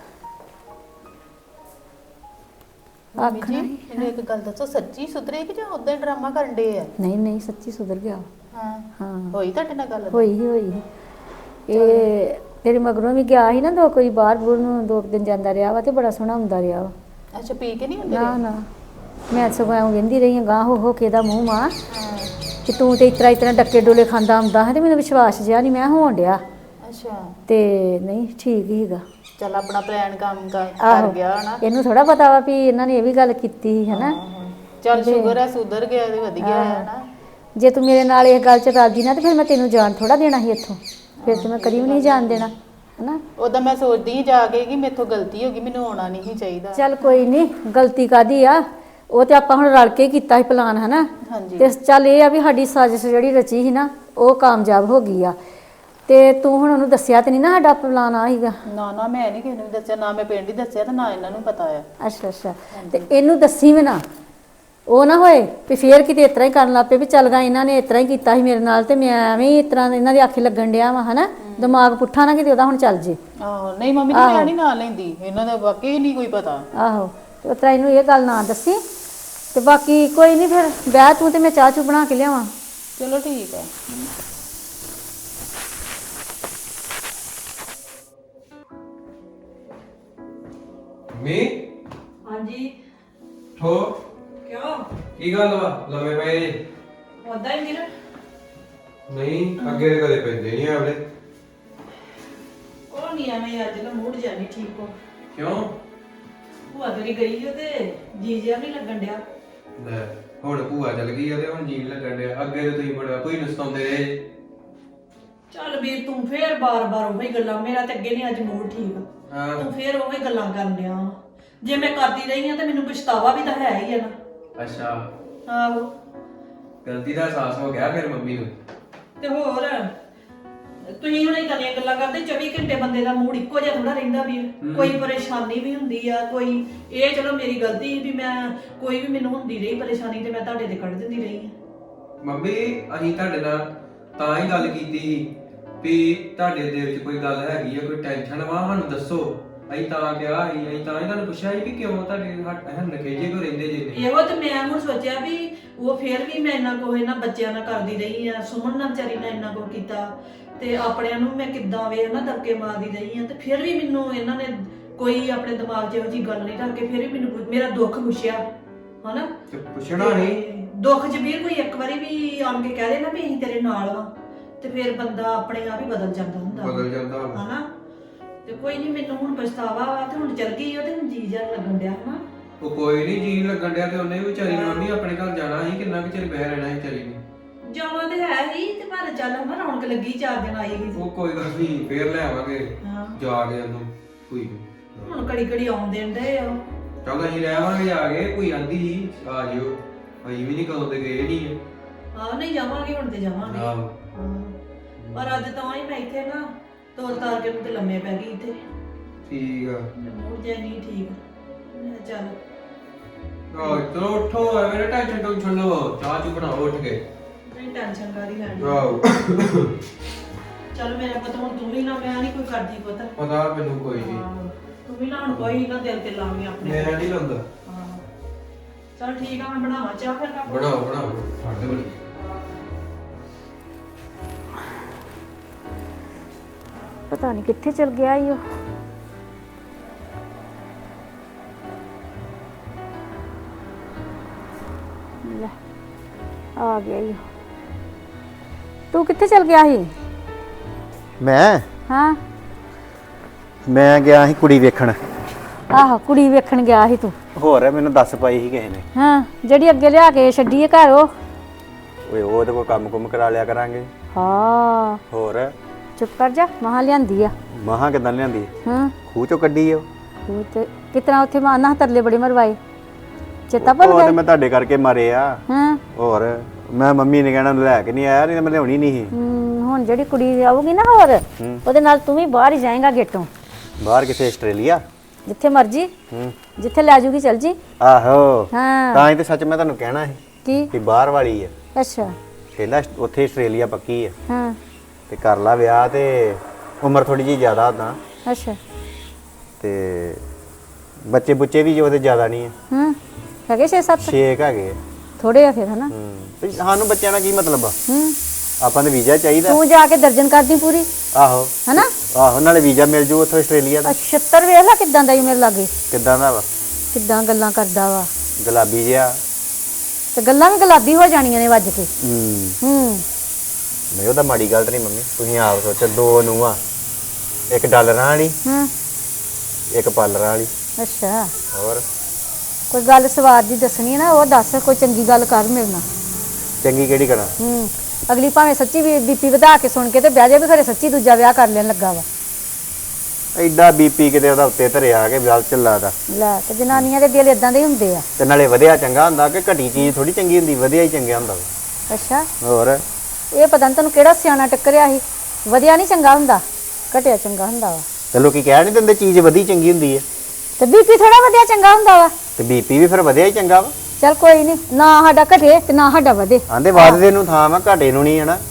ਮੰਮੀ ਜੀ ਮੈਨੂੰ ਇੱਕ ਗੱਲ ਦੱਸੋ, ਸੱਚੀ ਸੁਧਰੇ ਕਿ ਜਾਂ ਉਦਾਂ ਹੀ ਡਰਾਮਾ ਕਰਨ ਦੇ ਆ? ਨਹੀਂ ਨਹੀਂ ਸੱਚੀ ਸੁਧਰ ਗਿਆ। ਹਾਂ ਹਾਂ ਹੋਈ ਤੁਹਾਡੇ ਨਾਲ ਗੱਲ? ਹੋਈ ਹੀ ਹੋਈ। ਇਹ ਤੇਰੇ ਮਗਰੋਂ ਵੀ ਗਿਆ ਸੀ ਨਾ, ਦੋ ਕੋਈ ਬਾਹਰ ਬੂਰ ਨੂੰ ਦੋ ਕੁ ਦਿਨ ਜਾਂਦਾ ਰਿਹਾ ਵਾ ਤੇ ਬੜਾ ਸੋਹਣਾ ਹੁੰਦਾ ਰਿਹਾ ਵਾ। ਅੱਛਾ ਪੀ ਕੇ ਨਹੀਂ ਹੁੰਦੇ ਨਾ ਰਹੇ? ਨਾ ਮੈਂ ਸਗੋਂ ਐਂ ਕਹਿੰਦੀ ਰਹੀ ਹਾਂ ਗਾਂ ਹੋ ਹੋ ਕੇ ਦਾ ਮੂੰਹ ਮਾਂ ਹਾਂ ਕਿ ਤੂੰ ਤੇ ਇਤਰਾ ਇਤਰਾ ਡੱਕੇ ਡੋਲੇ ਖਾਂਦਾ ਹੁੰਦਾ ਹੈ, ਤੇ ਮੈਨੂੰ ਵਿਸ਼ਵਾਸ ਜਿਹਾ ਨਹੀਂ ਮੈਂ ਹੋਣ ਡਿਆ। ਅੱਛਾ ਤੇ ਨਹੀਂ ਠੀਕ ਹੀਗਾ। ਚੱਲ ਆਪਣਾ ਪਲਾਨ ਕੰਮ ਕਰ ਆਹੋ। ਕਰ ਗਿਆ ਨਾ। ਇਹਨੂੰ ਥੋੜਾ ਪਤਾ ਵਾ ਵੀ ਇਹਨਾਂ ਨੇ ਇਹ ਵੀ ਗੱਲ ਕੀਤੀ ਸੀ, ਹਨਾ। ਆਹੋ। ਚੱਲ ਸ਼ੁਕਰ ਹੈ ਸੁਧਰ ਗਿਆ ਤੇ ਵਧੀਆ ਹੈ ਨਾ। ਜੇ ਤੂੰ ਮੇਰੇ ਨਾਲ ਇਸ ਗੱਲ 'ਚ ਰਾਜੀ ਨਾ ਤੇ ਫਿਰ ਮੈਂ ਤੈਨੂੰ ਜਾਣ ਥੋੜਾ ਦੇਣਾ ਸੀ ਇੱਥੋਂ, ਫਿਰ ਤੇ ਮੈਂ ਕਦੀ ਵੀ ਨਹੀਂ ਜਾਣ ਦੇਣਾ, ਹਨਾ। ਉਦਾਂ ਮੈਂ ਸੋਚਦੀ ਸੀ ਜਾ ਕੇ ਕਿ ਮੇਥੋਂ ਗਲਤੀ ਹੋ ਗਈ, ਮੈਨੂੰ ਆਉਣਾ ਨਹੀਂ ਸੀ ਚਾਹੀਦਾ। ਚੱਲ ਕੋਈ ਨਹੀਂ, ਗਲਤੀ ਕਾਦੀ ਆ, ਉਹ ਤੇ ਆਪਾਂ ਹੁਣ ਰਲ ਕੇ ਕੀਤਾ ਸੀ ਪਲਾਨ, ਹਨਾ। ਹਾਂਜੀ ਤੇ ਚੱਲ ਇਹ ਆ ਵੀ ਸਾਡੀ ਸਾਜ਼ਿਸ਼ ਜਿਹੜੀ ਰਚੀ ਸੀ ਨਾ ਉਹ ਕਾਮਯਾਬ ਹੋ ਗਈ ਆ। ਤੇ ਤੂੰ ਹੁਣ ਉਹਨੂੰ ਦੱਸਿਆ ਤੇ ਨਹੀਂ ਨਾ ਸਾਡਾ ਪਲਾਨ ਆ ਸੀਗਾ? ਨਾ ਨਾ ਮੈਂ ਨਹੀਂ ਕਿਸੇ ਨੂੰ ਵੀ ਦੱਸਿਆ, ਨਾ ਮੈਂ ਪਿੰਡ ਹੀ ਦੱਸਿਆ ਤੇ ਨਾ ਇਹਨਾਂ ਨੂੰ ਪਤਾ ਆ। ਅੱਛਾ ਅੱਛਾ। ਤੇ ਇਹਨੂੰ ਦੱਸੀ ਵੀ ਨਾ, ਉਹ ਨਾ ਹੋਏ ਵੀ ਫੇਰ ਕਿਤੇ ਇਸ ਤਰ੍ਹਾਂ ਹੀ ਕਰਨ ਲੱਗ ਪਏ ਵੀ ਚੱਲ ਗਾ ਇਹਨਾਂ ਨੇ ਇਸ ਤਰ੍ਹਾਂ ਹੀ ਕੀਤਾ ਸੀ ਮੇਰੇ ਨਾਲ ਤੇ ਮੈਂ ਐਵੇਂ ਹੀ ਇਸ ਤਰ੍ਹਾਂ ਇਹਨਾਂ ਦੇ ਆਖੇ ਲੱਗਣ ਡਿਆ ਵਾ, ਹਨਾ। ਦਿਮਾਗ ਪੁੱਠਾ ਨਾ ਕਿਤੇ ਉਹਦਾ ਹੁਣ ਚੱਲ ਜੇ। ਆਹੋ ਨਹੀਂ ਮੰਮੀ ਜੀ ਮੈਂ ਨਹੀਂ ਨਾਲ ਲੈਂਦੀ, ਇਹਨਾਂ ਦਾ ਵਾਕਈ ਨਹੀਂ ਕੋਈ ਪਤਾ। ਆਹੋ ਤੇ ਉਸ ਤਰ੍ਹਾਂ ਇਹਨੂੰ ਇਹ ਗੱਲ ਨਾ ਦੱਸੀ। ਤੇ ਬਾਕੀ ਕੋਈ ਨਹੀਂ, ਫਿਰ ਬਹਿ ਤੂੰ ਤੇ ਮੈਂ ਚਾਹ ਚੂ ਬਣਾ ਕੇ ਲਿਆਵਾਂ। ਚਲੋ ਠੀਕ ਹੈ। ਮੀ ਹਾਂਜੀ ਠੋ ਕਿਉਂ ਕੀ ਗੱਲ ਵਾ ਲੰਮੇ ਪਏ ਜੇ? ਉਦਾਂ ਹੀ ਵੀਰ ਨਹੀਂ ਅੱਗੇ ਤੇ ਕਦੇ ਪੈਂਦੇ ਨਹੀਂ ਆਵਲੇ। ਉਹ ਨਹੀਂ ਐਵੇਂ ਅੱਜ ਨਾ ਮੂਡ ਜਿਹਾ ਨਹੀਂ ਠੀਕ ਹੋ। ਕਿਉਂ? ਭੂਆ ਤੇਰੀ ਗਈ ਉਹ ਤੇ ਜੀ ਜਿਹਾ ਨਹੀਂ ਲੱਗਣ ਡਿਆ। ਲੈ ਹੁਣ ਭੂਆ ਚਲ ਗਈ ਆ ਤੇ ਹੁਣ ਜੀਣ ਲੱਗਣ ਡਿਆ। ਅੱਗੇ ਤੇ ਤੁਸੀਂ ਬੜਾ ਕੋਈ ਨਸਤਾਉਂਦੇ ਰਹੇ ਜੇ। ਚੱਲ ਵੀਰ ਤੂੰ ਫੇਰ ਬਾਰ-ਬਾਰ ਉਹੀ ਗੱਲਾਂ, ਮੇਰਾ ਤੇ ਅੱਗੇ ਨਹੀਂ ਅੱਜ ਮੂਡ ਠੀਕ। ਹਾਂ ਤੂੰ ਫੇਰ ਉਹੀ ਗੱਲਾਂ ਕਰਨ ਡਿਆ ਵਾਂ। ਜੇ ਮੈਂ ਕਰਦੀ ਰਹੀ ਆ ਤੇ ਮੈਨੂੰ ਪਛਤਾਵਾ ਵੀ ਤਾਂ ਹੈ ਹੀ ਆ ਨਾ। ਅੱਛਾ ਆਹੋ ਗਲਤੀ ਦਾ ਅਹਿਸਾਸ ਹੋ ਗਿਆ ਫਿਰ ਮੰਮੀ ਨੂੰ। ਤੇ ਹੋਰ ਤੁਸੀਂ ਹੁਣ ਇਦਾਂ ਦੀਆਂ ਗੱਲਾਂ ਕਰਦੇ ਚੌਵੀ ਘੰਟੇ ਬੰਦੇ ਦਾ ਮੂਡ ਇੱਕੋ ਜਿਹਾ ਥੋੜਾ ਰਹਿੰਦਾ ਵੀਰ। ਕੋਈ ਪਰੇਸ਼ਾਨੀ ਵੀ ਹੁੰਦੀ ਆ, ਕੋਈ ਇਹ ਚਲੋ ਮੇਰੀ ਗਲਤੀ ਵੀ ਮੈਂ ਕੋਈ ਵੀ ਮੈਨੂੰ ਹੁੰਦੀ ਰਹੀ ਪਰੇਸ਼ਾਨੀ ਤੇ ਮੈਂ ਤੁਹਾਡੇ ਤੇ ਕੱਢ ਦਿੰਦੀ ਰਹੀ ਆ। ਮੰਮੀ ਅਸੀਂ ਤੁਹਾਡੇ ਨਾਲ ਤਾਂ ਹੀ ਗੱਲ ਕੀਤੀ ਸੀ ਵੀ ਤੁਹਾਡੇ ਦਿਲ 'ਚ ਕੋਈ ਗੱਲ ਹੈਗੀ ਆ, ਕੋਈ ਟੈਨਸ਼ਨ ਵਾ, ਸਾਨੂੰ ਦੱਸੋ। ਅਸੀਂ ਤਾਂ ਕਿਹਾ ਸੀ, ਅਸੀਂ ਤਾਂ ਹੀ ਤੁਹਾਨੂੰ ਪੁੱਛਿਆ ਸੀ ਕਿ ਕਿਉਂ ਤੁਹਾਡੇ ਹੱਥ ਨਖੇਜੇ ਕੋ ਰਹਿੰਦੇ ਜੇ ਨੇ। ਇਹੋ ਤੇ ਮੈਂ ਹੁਣ ਸੋਚਿਆ ਵੀ ਉਹ ਫੇਰ ਵੀ ਮੈਂ ਇੰਨਾ ਕੁ ਇਹਨਾਂ ਬੱਚਿਆਂ ਨਾਲ ਕਰਦੀ ਰਹੀ ਆ, ਸੁਮਨ ਨਾਲ ਵਿਚਾਰੀ ਨੇ ਇੰਨਾ ਕੁ ਕੀਤਾ ਤੇ ਆਪਣਿਆਂ ਨੂੰ ਮੈਂ ਕਿੱਦਾਂ ਵੇ ਹਨਾ ਦਬਕੇ ਮਾਰਦੀ ਰਹੀ ਆ ਤੇ ਫਿਰ ਵੀ ਮੈਨੂੰ ਇਹਨਾਂ ਨੇ ਕੋਈ ਆਪਣੇ ਦਿਮਾਗ 'ਚ ਇਹੋ ਜਿਹੀ ਗੱਲ ਨਹੀਂ ਰੱਖ ਕੇ ਫਿਰ ਵੀ ਮੈਨੂੰ ਮੇਰਾ ਦੁੱਖ ਪੁੱਛਿਆ ਹਨਾ। ਤੇ ਪੁੱਛਣਾ ਨਹੀਂ ਤੇ ਦੁੱਖ 'ਚ ਵੀਰ ਕੋਈ ਇੱਕ ਵਾਰੀ ਵੀ ਆਣ ਕੇ ਕਹਿ ਦੇ ਨਾ ਵੀ ਅਸੀਂ ਤੇਰੇ ਨਾਲ ਵਾਂ ਤੇ ਫਿਰ ਬੰਦਾ ਆਪਣੇ ਆਪ ਹੀ ਬਦਲ ਜਾਂਦਾ ਹੁੰਦਾ ਬਦਲ ਜਾਂਦਾ ਵਾ। ਹਨਾ। ਤੇ ਕੋਈ ਨਹੀਂ ਮੈਨੂੰ ਹੁਣ ਪਛਤਾਵਾ ਵਾ ਤੇ ਹੁਣ ਚੱਲ ਗਈ ਉਹਦੇ ਹੁਣ ਜੀ ਜਾ ਲੱਗਣ ਡਿਆ ਹਨਾ। ਉਹ ਕੋਈ ਨਹੀਂ ਜੀ ਲੱਗਣ ਡਿਆ ਤੇ ਉਹਨੇ ਵੀ ਵਿਚਾਰੀ ਨੇ ਮੰਮੀ ਆਪਣੇ ਘਰ ਜਾਣਾ ਸੀ, ਕਿੰਨਾ ਕੁ ਚਿਰ ਬਹਿ ਰਹਿਣਾ ਸੀ ਵਿਚਾਰੀ ਨੇ। ਜਾਣਾ ਤੇ ਹੈ ਹੀ ਤੇ ਪਰ ਚੱਲ ਹਨਾ ਰੌਣਕ ਲੱਗੀ ਚਾਰ ਦਿਨ ਆਈ ਸੀ। ਉਹ ਕੋਈ ਗੱਲ ਨਹੀਂ ਫੇਰ ਲੈ ਆਵਾਂਗੇ ਹਾਂ ਜਾ ਕੇ ਉਹਨੂੰ ਕੋਈ ਨੀ। ਹੁਣ ਕੜੀ ਕੜੀ ਆਉਣ ਦੇਣ ਦੇ ਆ। ਚੱਲ ਅਸੀਂ ਲੈ ਆਵਾਂਗੇ ਜਾ ਕੇ, ਕੋਈ ਆਂਦੀ ਸੀ ਆ ਜਿਓ, ਅਸੀਂ ਵੀ ਨਹੀਂ ਕਦੋਂ ਤੇ ਗਏ ਨਹੀਂ ਹਾਂ ਨਹੀਂ ਜਾਵਾਂਗੇ ਹੁਣ ਤੇ ਜਾਵਾਂਗੇ। ਆ। ਹਾਂ। ਪਰ ਅੱਜ ਤਾਂ ਹੀ ਮੈਂ ਇੱਥੇ ਨਾ ਤੋਰ ਤਾਰ ਕੇ ਨੂੰ ਤੇ ਲੰਮੇ ਪੈ ਗਈ ਇੱਥੇ। ਠੀਕ ਆ। ਮੂਡ ਜੇ ਨਹੀਂ ਠੀਕ। ਮੈਂ ਕਿਹਾ ਚੱਲ ਆ ਚਲੋ ਉੱਠੋ, ਐਵੇਂ ਟੈਨਸ਼ਨ ਟੈਨਸ਼ਨ ਲਓ, ਚਾਹ ਚੂ ਬਣਾਓ ਉੱਠ ਕੇ। ਨਹੀਂ ਟੈਨਸ਼ਨ ਕਰੀ ਲੈਣੀ। ਆਓ ਚੱਲ ਮੇਰਾ ਪੁੱਤ ਹੁਣ ਤੂੰ ਵੀ ਨਾ ਮੈਂ ਨਹੀਂ ਕੋਈ ਕਰਦੀ ਪੁੱਤ। ਪਤਾ ਮੈਨੂੰ ਕੋਈ ਨਹੀਂ, ਹਾਂ, ਤੂੰ ਵੀ ਨਾ ਹੁਣ ਕੋਈ ਨਾ ਦਿਲ ਤੇ ਲਾਵੀਂ ਆਪਣੇ। ਮੈਂ ਨਹੀਂ ਲਾਉਂਦਾ। ਹਾਂ ਚਲ ਠੀਕ ਆ ਮੈਂ ਬਣਾਵਾਂ ਚਾਹ ਫਿਰ ਕੱਪ। ਬਣਾਓ ਬਣਾਓ ਸਾਡੇ ਬਣੀ। ਪਤਾ ਨਹੀਂ ਕਿੱਥੇ ਚਲ ਗਿਆ ਈ ਉਹ। ਲੈ ਆ ਗਿਆ ਈ ਉਹ। ਤੂੰ ਕਿੱਥੇ ਚਲ ਗਿਆ ਸੀ? ਮੈਂ ਹਾਂ ਮੈਂ ਗਿਆ ਸੀ ਕੁੜੀ ਵੇਖਣ। ਆਹੋ ਕੁੜੀ ਵੇਖਣ ਗਿਆ ਸੀ ਤੂੰ। ਹੋਰ ਮੈਨੂੰ ਦੱਸ ਪਾਈ ਸੀ ਕਿਸੇ ਨੇ। ਹਾਂ ਜਿਹੜੀ ਅੱਗੇ ਲਿਆ ਕੇ ਛੱਡੀ ਏ ਘਰ ਉਹ। ਓਏ ਉਹ ਤੇ ਕੋਈ ਕੰਮ ਕੁਮ ਕਰਾ ਲਿਆ ਕਰਾਂਗੇ। ਹਾਂ ਹੋਰ ਚੁੱਪ ਕਰ ਜਾ, ਮਹਾ ਲਿਆਂਦੀ ਆ। ਮਹਾਂ ਕਿਦਾਂ ਲਿਆਂਦੀ? ਹਾਂ ਖੂਹ ਚੋਂ ਕੱਢੀ ਉਹ। ਉਹ ਤੇ ਕਿਤਨਾ ਉੱਥੇ ਮਾਨਾ ਤਰਲੇ ਬੜੇ ਮਰਵਾਏ, ਚੇਤਾ ਭੁੱਲ ਉਹ ਗਿਆ? ਤੇ ਮੈਂ ਤੁਹਾਡੇ ਕਰਕੇ ਮਾਰੇ ਆ। ਹਾਂ ਹੋਰ ਮੈਂ ਮੰਮੀ ਨੇ ਕਹਿਣਾ ਲੈ ਕੇ ਨਹੀਂ ਆਇਆ, ਨਹੀਂ ਤਾਂ ਮੈਂ ਲਿਆਉਣੀ ਨਹੀਂ ਸੀ। ਹਮ, ਹੁਣ ਜਿਹੜੀ ਕੁੜੀ ਆਊਗੀ ਨਾ ਹੋਰ ਹੂੰ। ਉਹਦੇ ਨਾਲ ਤੂੰ ਵੀ ਬਾਹਰ ਹੀ ਜਾਏਗਾ ਗੇਟੋਂ, ਬਾਹਰ ਕਿਥੇ ਆਸਟ੍ਰੇਲੀਆ? ਜਿੱਥੇ ਮਰਜੀ ਹੂੰ ਜਿੱਥੇ ਲੈ ਜੂਗੀ ਚਲ ਜੀ। ਆਹੋ ਹਾਂ ਤਾਂ ਹੀ ਤੇ ਸੱਚ ਮੈਂ ਤੁਹਾਨੂੰ ਕਹਿਣਾ ਸੀ ਕੀ? ਕਿ ਬਾਹਰ ਵਾਲੀ ਆ। ਅੱਛਾ ਕਹਿੰਦਾ ਉੱਥੇ ਆਸਟ੍ਰੇਲੀਆ ਪੱਕੀ ਆ ਹਾਂ ਤੇ ਕਰ ਲਾ ਵਿਆਹ, ਤੇ ਉਮਰ ਥੋੜੀ ਜਿਹੀ ਜ਼ਿਆਦਾ ਤਾਂ ਅੱਛਾ ਤੇ ਬੱਚੇ ਬੁੱਚੇ ਵੀ ਜੋ ਉਹਦੇ ਜ਼ਿਆਦਾ ਨਹੀਂ ਆ। ਹਾਂ ਹੈਗੇ ਛੇ ਸੱਤ ਛੇ ਕੁ ਹੈਗੇ ਆ। ਥੋੜੇ ਆ ਫਿਰ ਹਨਾ। ਹੂੰ ਤੇ ਸਾਨੂੰ ਬੱਚਿਆਂ ਨਾਲ ਕੀ ਮਤਲਬ ਆ? ਹੂੰ ਆਪਾਂ ਨੂੰ ਵੀਜ਼ਾ ਚਾਹੀਦਾ। ਤੂੰ ਜਾ ਕੇ ਦਰਜਨ ਕਰਦੀ ਪੂਰੀ ਆਹੋ ਹਨਾ। ਆਹੋ ਨਾਲੇ ਵੀਜ਼ਾ ਮਿਲ ਜੂ ਉੱਥੋਂ ਆਸਟ੍ਰੇਲੀਆ ਦਾ। ਅਛੱਤਰ ਵੇਖ ਲੈ ਕਿਦਾਂ ਦਾ ਹੀ ਮੇਰੇ ਲਾਗੇ, ਕਿੱਦਾਂ ਦਾ ਵਾ? ਕਿਦਾਂ ਗੱਲਾਂ ਕਰਦਾ ਵਾ, ਗੁਲਾਬੀ ਜਿਹਾ। ਤੇ ਗੱਲਾਂ ਵੀ ਗੁਲਾਬੀ ਹੋ ਜਾਣੀਆਂ ਨੇ ਵੱਜ ਕੇ। ਹੂੰ ਹੂੰ ਨਹੀਂ ਉਹਦਾ ਮਾੜੀ ਗੱਲ ਤਾਂ ਨਹੀਂ ਮੰਮੀ, ਤੁਸੀਂ ਆਪ ਸੋਚੋ। ਦੋ ਨੂੰਹਾਂ, ਇੱਕ ਡਾਲਰਾਂ ਵਾਲੀ ਹਾਂ ਇੱਕ ਪਾਲਰਾਂ ਵਾਲੀ। ਅੱਛਾ ਹੋਰ ਕੋਈ ਗੱਲ ਸਵਾਦ ਦੀ ਦੱਸਣੀ ਹੈ ਨਾ, ਉਹ ਦੱਸ ਕੋਈ ਚੰਗੀ ਗੱਲ ਕਰ ਮੇਰੇ ਨਾਲ। ਚੰਗੀ ਕਿਹੜੀ ਕਰਾਂ? ਹੂੰ ਅਗਲੀ ਭਾਵੇਂ ਸੱਚੀ ਵੀ ਬੀਪੀ ਵਧਾ ਕੇ ਸੁਣ ਕੇ ਤੇ ਵਿਆਹ ਜਾ ਵੀ ਖਰੇ ਸੱਚੀ ਦੂਜਾ ਵਿਆਹ ਕਰ ਲੈਣ ਲੱਗਾ ਵਾ। ਐਡਾ ਬੀਪੀ ਕਿਤੇ ਉਹਦਾ ਉੱਤੇ ਧਰਿਆ ਕੇ ਵਿਆਹ ਚੱਲਾ ਦਾ। ਲੈ ਤੇ ਜਨਾਨੀਆਂ ਦੇ ਦਿਲ ਇਦਾਂ ਦੇ ਹੀ ਹੁੰਦੇ ਆ। ਤੇ ਨਾਲੇ ਵਧਿਆ ਚੰਗਾ ਹੁੰਦਾ ਕਿ ਘਟੀ ਚੀਜ਼ ਥੋੜੀ ਚੰਗੀ ਹੁੰਦੀ, ਵਧੀਆ ਹੀ ਚੰਗਾ ਹੁੰਦਾ ਵਾ। ਅੱਛਾ ਹੋਰ ਇਹ ਪਤਾ ਨਹੀਂ ਤੈਨੂੰ ਕਿਹੜਾ ਸਿਆਣਾ ਟੱਕਰਿਆ ਸੀ, ਵਧੀਆ ਨਹੀਂ ਚੰਗਾ ਹੁੰਦਾ, ਘਟਿਆ ਚੰਗਾ ਹੁੰਦਾ ਵਾ। ਤੇ ਲੋਕੀ ਕਹਿ ਨਹੀਂ ਦਿੰਦੇ ਚੀਜ਼ ਵਧੀ ਚੰਗੀ ਹੁੰਦੀ ਹੈ, ਤੇ ਬੀਪੀ ਥੋੜਾ ਵਧੀਆ ਚੰਗਾ ਹੁੰਦਾ ਵਾ। ਤੇ ਬੀਪੀ ਵੀ ਫਿਰ ਵਧਿਆ ਹੀ ਚੰਗਾ ਵਾ। ਚੱਲ ਕੋਈ ਨਹੀਂ, ਨਾ ਸਾਡਾ ਘਟੇ ਤੇ ਨਾ ਸਾਡਾ ਵਧੇ। ਆਂਦੇ ਵੱਧਦੇ ਨੂੰ ਥਾਂ ਵਾ, ਘਾਟੇ ਨੂੰ ਨਹੀਂ ਹਨਾ।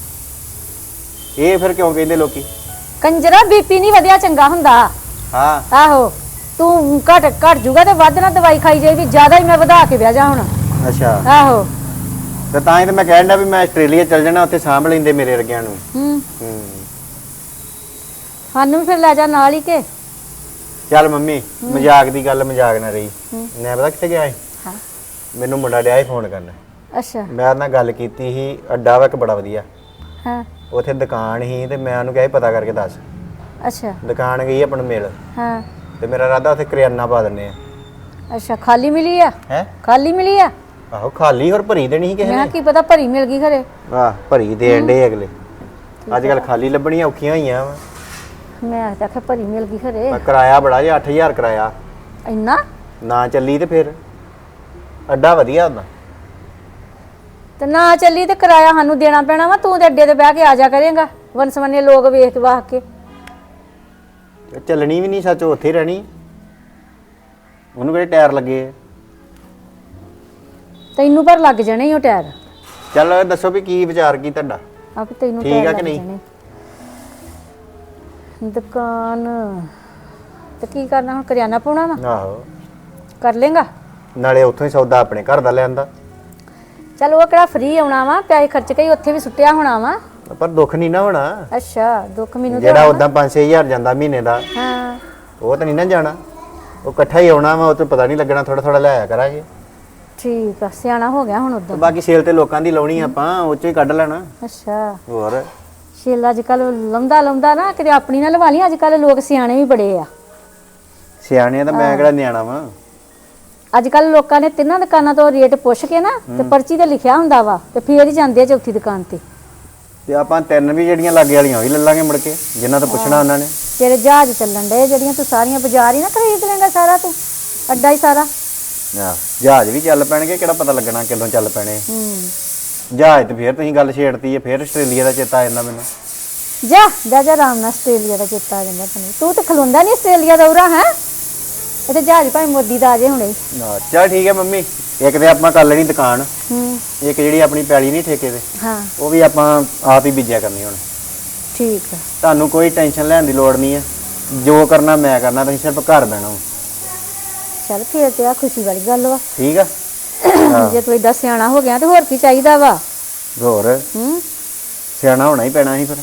ਇਹ ਫਿਰ ਕਿਉਂ ਕਹਿੰਦੇ ਲੋਕੀ? ਕੰਜਰਾ ਬੀਪੀ ਨਹੀਂ ਵਧਿਆ ਚੰਗਾ ਹੁੰਦਾ। ਹਾਂ ਆਹੋ ਤੂੰ ਘਟ ਘਟ ਜੂਗਾ ਤੇ ਵੱਧ ਨਾ ਦਵਾਈ ਖਾਈ ਜਾਏਗੀ, ਜ਼ਿਆਦਾ ਹੀ ਮੈਂ ਵਧਾ ਕੇ ਵਿਆਹ ਜਾ ਹੁਣ। ਅੱਛਾ ਆਹੋ ਤੇ ਤਾਂ ਹੀ ਤੇ ਮੈਂ ਕਹਿਣ ਡਿਆ ਵੀ ਮੈਂ ਆਸਟ੍ਰੇਲੀਆ ਚੱਲ ਜਾਣਾ, ਉੱਥੇ ਸਾਂਭ ਲੈਂਦੇ ਮੇਰੇ ਵਰਗਿਆਂ ਨੂੰ। ਹੂੰ ਹੂੰ ਸਾਨੂੰ ਵੀ ਫਿਰ ਲੈ ਜਾ ਨਾਲ ਹੀ ਕੇ। ਚੱਲ ਮੰਮੀ ਮਜ਼ਾਕ ਦੀ ਗੱਲ ਮਜ਼ਾਕ ਨਾ ਰਹੀ। ਮੈਂ ਪਤਾ ਕਿੱਥੇ ਗਿਆ ਸੀ? ਹਾਂ ਮੈਨੂੰ ਮੁੰਡਾ ਡਿਆ ਸੀ ਫੋਨ ਕਰਨ। ਅੱਛਾ ਮੈਂ ਉਹਦੇ ਨਾਲ ਗੱਲ ਕੀਤੀ ਸੀ, ਅੱਡਾ ਵਾ ਇੱਕ ਬੜਾ ਵਧੀਆ, ਹਾਂ ਉੱਥੇ ਦੁਕਾਨ ਸੀ ਤੇ ਮੈਂ ਉਹਨੂੰ ਕਿਹਾ ਸੀ ਪਤਾ ਕਰਕੇ ਦੱਸ। ਅੱਛਾ ਦੁਕਾਨ ਗਈ ਆਪਣ ਮਿਲ, ਹਾਂ ਤੇ ਮੇਰਾ ਇਰਾਦਾ ਉੱਥੇ ਕਰਿਆਨਾ ਪਾ ਦਿੰਨੇ ਆ। ਅੱਛਾ ਖਾਲੀ ਮਿਲੀ ਆ? ਹੈ ਖਾਲੀ ਮਿਲੀ ਆ? ਆਹੋ ਖਾਲੀ, ਹੋਰ ਭਰੀ ਦੇਣੀ ਸੀ ਕਿਸੇ ਮੈਂ ਨੇ। ਕੀ ਪਤਾ ਭਰੀ ਮਿਲ ਗਈ ਖਰੇ। ਆਹ ਭਰੀ ਦੇਣ ਡੇ ਅਗਲੇ। ਅੱਜ ਕੱਲ ਖਾਲੀ ਲੱਭਣੀਆਂ ਔਖੀਆਂ ਹੋਈਆਂ ਵਾ। ਮੈਂ ਤਾਂ ਆਖਿਆ ਭਰੀ ਮਿਲ ਗਈ ਖਰੇ। ਮੈਂ ਕਿਰਾਇਆ ਬੜਾ ਜੇ ਅੱਠ ਹਜ਼ਾਰ ਕਿਰਾਇਆ। ਇੰਨਾ? ਨਾ ਚੱਲੀ ਤੇ ਫਿਰ ਅੱਡਾ ਵਧੀਆ ਹੁੰਦਾ। ਤੇ ਨਾ ਚੱਲੀ ਤੇ ਕਿਰਾਇਆ ਸਾਨੂੰ ਦੇਣਾ ਪੈਣਾ ਵਾ। ਤੂੰ ਤੇ ਅੱਡੇ ਤੇ ਬਹਿ ਕੇ ਆ ਜਾ ਕਰੇਗਾ, ਵਨਸਵੰਨੇ ਲੋਕ ਵੇਖ ਵਾਹ ਕੇ। ਚੱਲਣੀ ਵੀ ਨਹੀਂ ਸੱਚ, ਉੱਥੇ ਹੀ ਰਹਿਣੀ। ਉਹਨੂੰ ਕਿਹੜੇ ਟਾਇਰ ਲੱਗੇ ਆ? ਤੈਨੂੰ ਪਰ ਲੱਗ ਜਾਣੇ ਈ ਉਹ ਟਾਇਰ। ਚੱਲ ਦੱਸੋ ਵੀ ਕੀ ਵਿਚਾਰ ਕੀ ਤੁਹਾਡਾ? ਆਪ ਤੈਨੂੰ ਠੀਕ ਟਾਇਰ ਆ ਲੱਗ ਕਿ ਨਹੀਂ? ਜਾਣੇ। ਦੁਕਾਨ ਤੇ ਕੀ ਕਰਨਾ ਹੁਣ, ਕਰਿਆਨਾ ਪਾਉਣਾ ਵਾ? ਆਹੋ, ਕਰ ਲੇਗਾ। ਨਾਲੇ ਉੱਥੋਂ ਹੀ ਸੌਦਾ ਆਪਣੇ ਘਰ ਦਾ ਲਿਆਂਦਾ। ਚੱਲ ਉਹ ਕਿਹੜਾ ਫ੍ਰੀ ਆਉਣਾ ਵਾ, ਪੈਸੇ ਖਰਚ ਕੇ ਹੀ ਉੱਥੇ ਵੀ ਸੁੱਟਿਆ ਹੋਣਾ ਵਾ। ਪਰ ਦੁੱਖ ਨਹੀਂ ਨਾ ਹੋਣਾ। ਅੱਛਾ, ਦੁੱਖ ਮੈਨੂੰ ਤੇ ਜਿਹੜਾ ਹੋਣਾ। ਉਦਾਂ ਪੰਜ ਛੇ ਹਜ਼ਾਰ ਜਾਂਦਾ ਮਹੀਨੇ ਦਾ, ਹਾਂ ਉਹ ਤਾਂ ਨਹੀਂ ਨਾ ਜਾਣਾ। ਉਹ ਇਕੱਠਾ ਹੀ ਆਉਣਾ ਵਾ, ਉਹ ਤੋਂ ਪਤਾ ਨਹੀਂ ਲੱਗਣਾ, ਥੋੜਾ ਥੋੜਾ ਲਿਆਇਆ ਕਰਾਂਗੇ। ਠੀਕ ਆ, ਸਿਆਣਾ ਹੋ ਗਿਆ ਹੁਣ ਤੇ ਉਦੋਂ। ਬਾਕੀ ਸੇਲ ਤੇ ਲੋਕਾਂ ਦੀ ਲਾਉਣੀ ਆਪਾਂ, ਉਹ ਚੋਂ ਹੀ ਕੱਢ ਲੈਣਾ। ਅੱਛਾ, ਹੋਰ ਛੇਲ ਅੱਜ ਕੱਲ ਲਾਉਂਦਾ ਲਾਉਂਦਾ ਨਾ ਕਿਤੇ ਆਪਣੀ ਨਾ ਲਵਾ ਲਈ। ਅੱਜ ਕੱਲ ਲੋਕ ਸਿਆਣੇ ਵੀ ਬੜੇ ਆ। ਸਿਆਣੇ ਤਾਂ ਮੈਂ ਕਿਹੜਾ ਨਿਆਣਾ ਵਾ। ਅੱਜ ਕੱਲ ਲੋਕਾਂ ਨੇ ਤਿੰਨਾਂ ਦੁਕਾਨਾਂ ਤੋਂ ਰੇਟ ਪੁੱਛ ਕੇ ਨਾ ਤੇ ਪਰਚੀ ਤੇ ਲਿਖਿਆ ਹੁੰਦਾ ਵਾ ਤੇ ਫੇਰ ਹੀ ਜਾਂਦੇ ਆ ਚੌਥੀ ਦੁਕਾਨ ਤੇ। ਤੇ ਆਪਾਂ ਤਿੰਨ ਵੀ ਜਿਹੜੀਆਂ ਲਾਗੇ ਵਾਲੀਆਂ ਉਹ ਹੀ ਲੈ ਲਾਂਗੇ ਮੁੜ ਕੇ, ਜਿੰਨਾ ਤੋਂ ਪੁੱਛਣਾ ਉਹਨਾਂ ਨੇ। ਤੇਰੇ ਜਹਾਜ਼ ਚੱਲਣ ਡੇ ਜਿਹੜੀਆਂ ਤੂੰ ਸਾਰੀਆਂ ਬਾਜ਼ਾਰ ਹੀ ਨਾ ਖਰੀਦ ਲੈਂਦਾ ਸਾਰਾ, ਤੂੰ ਅੱਡਾ ਹੀ ਸਾਰਾ। ਆਹ ਜਹਾਜ਼ ਵੀ ਚੱਲ ਪੈਣਗੇ, ਕਿਹੜਾ ਪਤਾ ਲੱਗਣਾ ਕਦੋਂ ਚੱਲ ਪੈਣੇ। ਹੂੰ, ਜਹਾਜ਼ ਤੇ ਫੇਰ ਤੁਸੀਂ ਗੱਲ ਛੇੜਤੀ ਹੈ, ਫੇਰ ਆਸਟ੍ਰੇਲੀਆ ਦਾ ਚੇਤਾ ਆ ਜਾਂਦਾ ਮੈਨੂੰ। ਜਾ ਜਾ ਜਾ ਆਰਾਮ ਨਾਲ, ਆਸਟ੍ਰੇਲੀਆ ਦਾ ਚੇਤਾ ਆ ਜਾਂਦਾ ਤੈਨੂੰ। ਤੂੰ ਤੇ ਖਲੋਂਦਾ ਨਹੀਂ ਆਸਟ੍ਰੇਲੀਆ ਦਾ ਉਰਾ ਹੈ। ਇਹ ਤੇ ਜਹਾਜ਼ ਭਾਵੇਂ ਮੋਦੀ ਦਾ ਆ ਜੇ ਹੁਣੇ। ਨਾ ਚੱਲ ਠੀਕ ਹੈ ਮੰਮੀ, ਇੱਕ ਤੇ ਆਪਾਂ ਕਰ ਲੈਣੀ ਦੁਕਾਨ, ਹੂੰ, ਇੱਕ ਜਿਹੜੀ ਆਪਣੀ ਪੈਲੀ ਨਹੀਂ ਠੇਕੇ ਤੇ, ਹਾਂ ਉਹ ਵੀ ਆਪਾਂ ਆਪ ਹੀ ਬੀਜਿਆ ਕਰਨੀ ਹੁਣ। ਠੀਕ ਆ। ਤੁਹਾਨੂੰ ਕੋਈ ਟੈਨਸ਼ਨ ਲੈਣ ਦੀ ਲੋੜ ਨਹੀਂ ਹੈ, ਜੋ ਕਰਨਾ ਮੈਂ ਕਰਨਾ, ਤੁਸੀਂ ਸਿਰਫ ਘਰ ਬਹਿਣਾ ਵਾ। ਚੱਲ ਫੇਰ ਤੇ ਆ ਖੁਸ਼ੀ ਵਾਲੀ ਗੱਲ ਵਾ। ਠੀਕ ਆ? ਜੇ ਤੂੰ ਏਡਾ ਸਿਆਣਾ ਹੋ ਗਿਆ ਤੇ ਹੋਰ ਕੀ ਚਾਹੀਦਾ ਵਾ। ਹੋਰ ਹੂੰ, ਸਿਆਣਾ ਹੋਣਾ ਹੀ ਪੈਣਾ ਸੀ ਫਿਰ।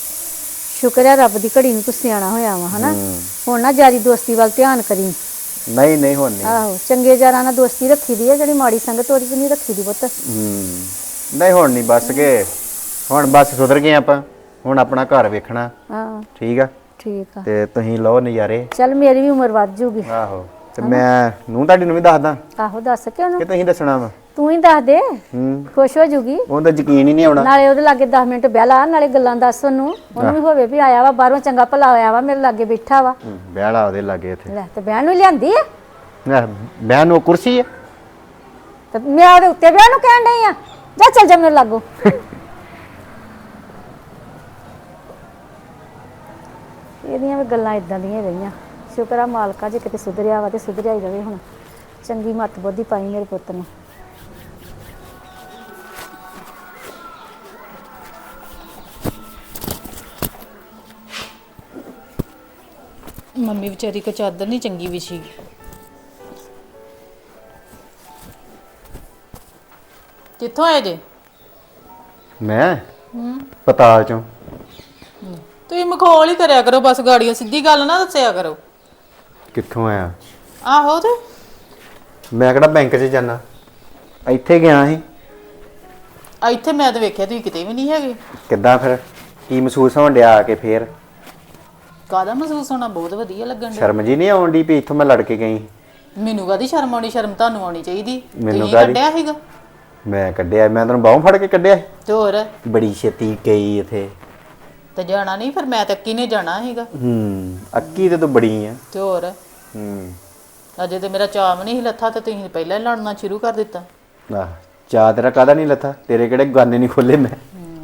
ਸ਼ੁਕਰ ਹੈ ਰੱਬ ਦੀ ਘੜੀ ਨੂੰ ਤੂੰ ਸਿਆਣਾ ਹੋਇਆ ਵਾ ਹਨਾ। ਹੁਣ ਨਾ ਯਾਰੀ ਦੋਸਤੀ ਵੱਲ ਧਿਆਨ ਕਰੀ। ਨਹੀਂ ਨਹੀਂ ਹੁਣ ਨਹੀਂ। ਆਹੋ, ਚੰਗੇ ਯਾਰਾਂ ਨਾਲ ਦੋਸਤੀ ਰੱਖੀ ਦੀ ਹੈ, ਜਿਹੜੀ ਮਾੜੀ ਸੰਗਤ ਉਹਦੀ ਨਹੀਂ ਰੱਖੀ ਦੀ ਪੁੱਤ। ਹੂੰ, ਨਹੀਂ ਹੁਣ ਨਹੀਂ, ਬਸ ਕੇ ਹੁਣ ਬਸ ਸੁਧਰ ਗਏ ਆਪਾਂ, ਹੁਣ ਆਪਣਾ ਘਰ ਵੇਖਣਾ। ਹਾਂ ਠੀਕ ਆ? ਠੀਕ ਆ। ਤੇ ਤੁਸੀਂ ਲਓ ਨਜ਼ਾਰੇ। ਚੱਲ ਮੇਰੀ ਵੀ ਉਮਰ ਵੱਧ ਜੂਗੀ। ਆਹੋ, ਤੇ ਮੈਂ ਨੂੰ ਤੁਹਾਡੀ ਨੂੰ ਵੀ ਦੱਸਦਾ ਆਹੋ ਦੱਸ ਕੇ ਉਹਨੂੰ, ਕਿ ਤੁਸੀਂ ਦੱਸਣਾ ਵਾ। ਤੂੰ ਹੀ ਦੱਸ ਦੇ, ਹੂੰ, ਖੁਸ਼ ਹੋ ਜੂਗੀ। ਉਹਦਾ ਯਕੀਨ ਹੀ ਨਹੀਂ ਆਉਣਾ। ਨਾਲੇ ਉਹਦੇ ਲਾਗੇ ਦਸ ਮਿੰਟ ਬਹਿ ਲਾ, ਨਾਲੇ ਗੱਲਾਂ ਦੱਸ ਉਹਨੂੰ। ਉਹਨੂੰ ਵੀ ਹੋਵੇ ਵੀ ਆਇਆ ਵਾ ਬਾਹਰੋਂ, ਚੰਗਾ ਭਲਾ ਹੋਇਆ ਵਾ, ਮੇਰੇ ਲਾਗੇ ਬੈਠਾ ਵਾ। ਹੂੰ, ਬਹਿਲਾ ਉਹਦੇ ਲਾਗੇ ਇੱਥੇ। ਲੈ ਤੇ ਬਹਿਣ ਨੂੰ ਲਿਆਂਦੀ ਆ ਨਾ ਬਹਿਣ ਨੂੰ ਕੁਰਸੀ ਹੈ। ਤੇ ਮੈਂ ਉਹਦੇ ਉੱਤੇ ਬਹਿਣ ਨੂੰ ਕਹਿਣ ਡਈ ਆ। ਜਾ ਚੱਲ ਜਾ ਮੇਰੇ ਲਾਗੋ। ਇਹਦੀਆਂ ਵੀ ਗੱਲਾਂ ਇਦਾਂ ਦੀਆਂ ਰਹੀਆਂ। ਸ਼ੁਕਰ ਆ ਮਾਲਕਾ ਜੇ ਕਿਤੇ ਸੁਧਰਿਆ ਵਾ ਤੇ ਸੁਧਰਿਆ ਹੀ ਰਵੇ। ਹੁਣ ਚੰਗੀ ਮੱਤ ਬੁੱਧੀ ਪਾਈ ਮੇਰੇ ਪੁੱਤ ਨੂੰ। ਮੰਮੀ ਵਿਚਾਰੀ ਕੋ ਚਾਦਰ ਨਹੀਂ ਚੰਗੀ ਵਿਛੀ। ਕਿੱਥੋਂ ਆਏ ਜੇ? ਮੈਂ ਪਤਾਲ ਚੋਂ। ਤੁਸੀਂ ਮਖੌਲ ਹੀ ਕਰਿਆ ਕਰੋ, ਬਸ ਗਾੜੀਆਂ ਸਿੱਧੀ ਗੱਲ ਨਾ ਦੱਸਿਆ ਕਰੋ। ਕਿੱਥੋਂ ਆਇਆ? ਆਹੋ ਤੇ ਮੈਂ ਕਿਹੜਾ ਬੈਂਕ 'ਚ ਜਾਣਾ, ਇੱਥੇ ਗਿਆ ਸੀ। ਇੱਥੇ ਮੈਂ ਤਾਂ ਵੇਖਿਆ ਤੁਸੀਂ ਕਿਤੇ ਵੀ ਨਹੀਂ ਹੈਗੇ। ਕਿੱਦਾਂ ਫਿਰ ਕੀ ਮਹਿਸੂਸ ਹੋਣ ਡਿਆ ਆ ਕੇ? ਫੇਰ ਕਾਹਦਾ ਮਹਿਸੂਸ ਹੋਣਾ? ਬਹੁਤ ਵਧੀਆ ਲੱਗਣ ਡਿਆ। ਸ਼ਰਮ ਜੀ ਨਹੀਂ ਆਉਣ ਡਈ ਵੀ ਇੱਥੋਂ ਮੈਂ ਲੜ ਕੇ ਗਈ? ਮੈਨੂੰ ਕਾਹਦੀ ਸ਼ਰਮ ਆਉਣੀ? ਸ਼ਰਮ ਤੁਹਾਨੂੰ ਆਉਣੀ ਚਾਹੀਦੀ। ਮੈਨੂੰ ਤੁਸੀਂ ਕਾਹਦੀ? ਕੱਢਿਆ ਸੀਗਾ ਮੈਂ ਕੱਢਿਆ? ਮੈਂ ਤੈਨੂੰ ਬਾਹੋਂ ਫੜ ਕੇ ਕੱਢਿਆ ਸੀ? ਤੇ ਹੋਰ? ਬੜੀ ਛੇਤੀ ਗਈ ਇੱਥੇ। ਤੇ ਜਾਣਾ ਨਹੀਂ ਫਿਰ? ਮੈਂ ਤਾਂ ਅੱਕੀ ਨੇ ਜਾਣਾ ਸੀਗਾ। ਹੂੰ, ਅੱਕੀ ਤੇ ਤੂੰ ਬੜੀ ਆ। ਤੇ ਹੋਰ? ਹੂੰ, ਅਜੇ ਤੇ ਮੇਰਾ ਚਾਅ ਨਹੀਂ ਸੀ ਲੱਥਾ ਤੇ ਤੁਸੀਂ ਪਹਿਲਾਂ ਹੀ ਲੜਨਾ ਸ਼ੁਰੂ ਕਰ ਦਿੱਤਾ। ਆਹ ਚਾਹ ਤੇਰਾ ਕਾਹਦਾ ਨਹੀਂ ਲੱਥਾ? ਤੇਰੇ ਕਿਹੜੇ ਗਾਨੇ ਨਹੀਂ ਖੋਲੇ ਮੈਂ?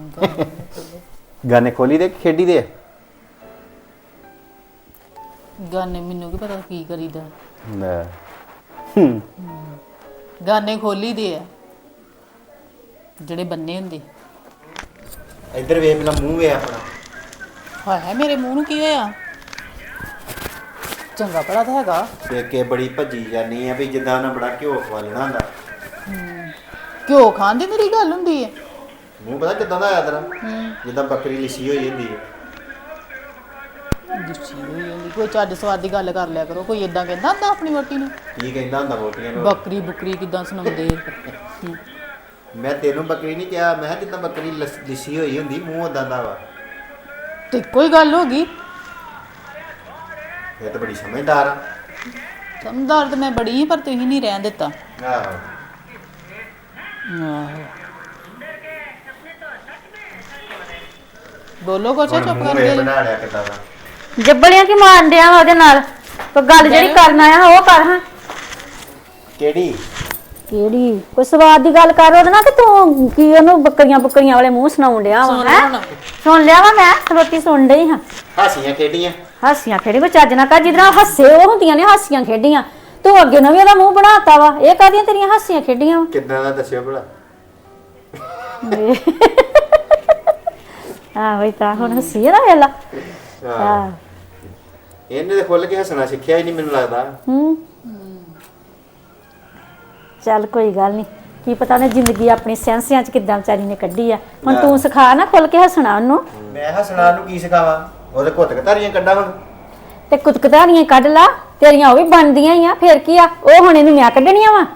ਗਾਨੇ ਖੋਲੀ ਦੇ ਖੇਡੀ ਦੇ? ਗਾਨੇ ਮੈਨੂੰ ਕੀ ਪਤਾ ਕੀ ਕਰੀਦਾ। ਲੈ, ਹੂੰ, ਗਾਨੇ ਖੋਲੀ ਦੇ ਆ ਜਿਹੜੇ ਬੰਨੇ ਹੁੰਦੇ। ਇੱਧਰ ਵੇਖ ਪਹਿਲਾਂ ਮੂੰਹ ਵੇ ਆਪਣਾ। ਹਾਏ ਮੇਰੇ ਮੂੰਹ ਨੂੰ ਕੀ ਹੋਇਆ? ਚੰਗਾ ਭਲਾ ਤਾਂ ਹੈਗਾ। ਦੇਖ ਕੇ ਬੜੀ ਭੱਜੀ ਜਾਨੀ ਆ ਵੀ ਜਿੱਦਾਂ ਉਹਨਾਂ ਬੜਾ ਘਿਓ ਖਵਾਲਣਾ ਹੁੰਦਾ। ਘਿਓ ਖਾਣ ਦੀ ਮੇਰੀ ਗੱਲ ਹੁੰਦੀ ਹੈ? ਮੂੰਹ ਪਤਾ ਕਿੱਦਾਂ ਦਾ ਆਇਆ ਤੇਰਾ? ਜਿੱਦਾਂ ਬੱਕਰੀ ਲਿੱਸੀ ਹੋਈ ਹੁੰਦੀ ਹੈ। ਦੁੱਚੀ ਹੋਈ ਹੁੰਦੀ। ਕੋਈ ਚੱਜ ਸਵਾਦ ਦੀ ਗੱਲ ਕਰ ਲਿਆ ਕਰੋ। ਕੋਈ ਇਦਾਂ ਕਹਿੰਦਾ ਹੁੰਦਾ ਆਪਣੀ ਵੋਟੀ ਨੂੰ? ਕੀ ਕਹਿੰਦਾ ਹੁੰਦਾ ਵੋਟੀਆਂ ਨੂੰ? ਬੱਕਰੀ ਬੁਕਰੀ ਕਿਦਾਂ ਸੁਣਾਉਂਦੇ? ਮੈਂ ਤੈਨੂੰ ਬੱਕਰੀ ਨਹੀਂ ਕਿਹਾ, ਮੈਂ ਕਿਹਾ ਜਿੱਦਾਂ ਬੱਕਰੀ ਲੱਸ- ਲਿੱਸੀ ਹੋਈ ਹੁੰਦੀ, ਮੂੰਹ ਉਦਾਂ ਦਾ ਵਾ। ਤੇ ਕੋਈ ਗੱਲ ਹੋ ਗਈ? ਇਹ ਤਾਂ ਬੜੀ ਸਮਝਦਾਰ ਆ। ਸਮਝਦਾਰ ਤਾਂ ਮੈਂ ਬੜੀ ਸੀ, ਪਰ ਤੁਸੀਂ ਨਹੀਂ ਰਹਿਣ ਦਿੱਤਾ। ਆਹੋ, ਆਹੋ ਬੋਲੋ ਕੁਛ, ਹੁਣ ਚੁੱਪ ਮੂੰਹ ਕਰ ਵੇ ਗਏ। ਬਣਾ ਲਿਆ ਕਿੱਦਾਂ ਦਾ। ਜੱਬੜੀਆਂ ਕੀ ਮਾਰਨ ਡਿਆ ਵਾ ਉਹਦੇ ਨਾਲ? ਕੋਈ ਗੱਲ ਜਿਹੜੀ ਕਰਨ ਆਇਆ ਉਹ ਕਰ ਹਾਂ। ਕਿਹੜੀ? ਕਿਹੜੀ ਕੋਈ ਸਵਾਦ ਦੀ ਗੱਲ ਕਰ ਉਹਦੇ ਨਾਲ ਕਿ ਤੂੰ ਕੀ ਉਹਨੂੰ ਬੱਕਰੀਆਂ ਬੱਕਰੀਆਂ ਵਾਲੇ ਮੂੰਹ ਸੁਣਾਉਣ ਡਿਆ ਵਾ ਹੈਂ? ਸੁਣ ਲਿਆ ਵਾ ਮੈਂ ਸਰੋਤੀ ਸੁਣ ਡਈ ਹਾਂ। ਹਾਸੀਆਂ ਖੇਡੀਆਂ ਹਾਸੀਆਂ ਖੇਡੀ ਕੋਈ ਚੱਜ ਨਾ ਕਰ ਜਿਹਦੇ ਹੱਸੇ ਉਹ ਹੁੰਦੀਆਂ ਨੇ ਹਾਸੀਆਂ ਖੇਡੀਆਂ। ਤੂੰ ਅੱਗੇ ਨੂੰ ਵੀ ਉਹਦਾ ਮੂੰਹ ਬਣਾਤਾ ਵਾ। ਇਹ ਕਾਹਦੀਆਂ ਤੇਰੀਆਂ ਹਾਸੀਆਂ ਖੇਡੀਆਂ ਵਾ? ਕਿੱਦਾਂ ਦਾ ਦੱਸਿਓ ਭਲਾ। ਆਹ ਵਈ ਤਾਂ ਹੁਣ ਹੱਸੀ ਆ ਨਾ ਵੇਲਾ। ਹਾਂ ਇਹਨੇ ਤਾਂ ਖੁੱਲ ਕੇ ਹੱਸਣਾ ਸਿੱਖਿਆ ਹੀ ਨਹੀਂ ਮੈਨੂੰ ਲੱਗਦਾ। ਹੂੰ ਚੱਲ ਕੋਈ ਗੱਲ ਨਹੀਂ, ਕੀ ਪਤਾ ਉਹਨੇ ਜ਼ਿੰਦਗੀ ਆਪਣੀ ਸੈਂਸਿਆਂ ਚ ਕਿੱਦਾਂ ਵਿਚਾਰੀ ਨੇ ਕੱਢੀ ਆ। ਹੁਣ ਤੂੰ ਸਿਖਾ ਨਾ ਖੁੱਲ ਕੇ ਹੱਸਣਾ ਉਹਨੂੰ। ਮੈਂ ਹੱਸਣਾ ਨੂੰ ਕੀ ਸਿਖਾਵਾਂ? ਉਹਦੇ ਕੁੱਤ ਕਤਾਰੀਆਂ ਕੱਢਾਂ ਹੁਣ। ਤੇ ਕੁਤਕਤਾਰੀਆਂ ਕੱਢ ਲਾ, ਤੇਰੀਆਂ ਉਹ ਵੀ ਬਣਦੀਆਂ ਹੀ ਆ। ਫੇਰ ਕੀ ਆ, ਉਹ ਹੁਣ ਇਹਨੂੰ ਮੈਂ ਕੱਢਣੀਆਂ ਵਾ।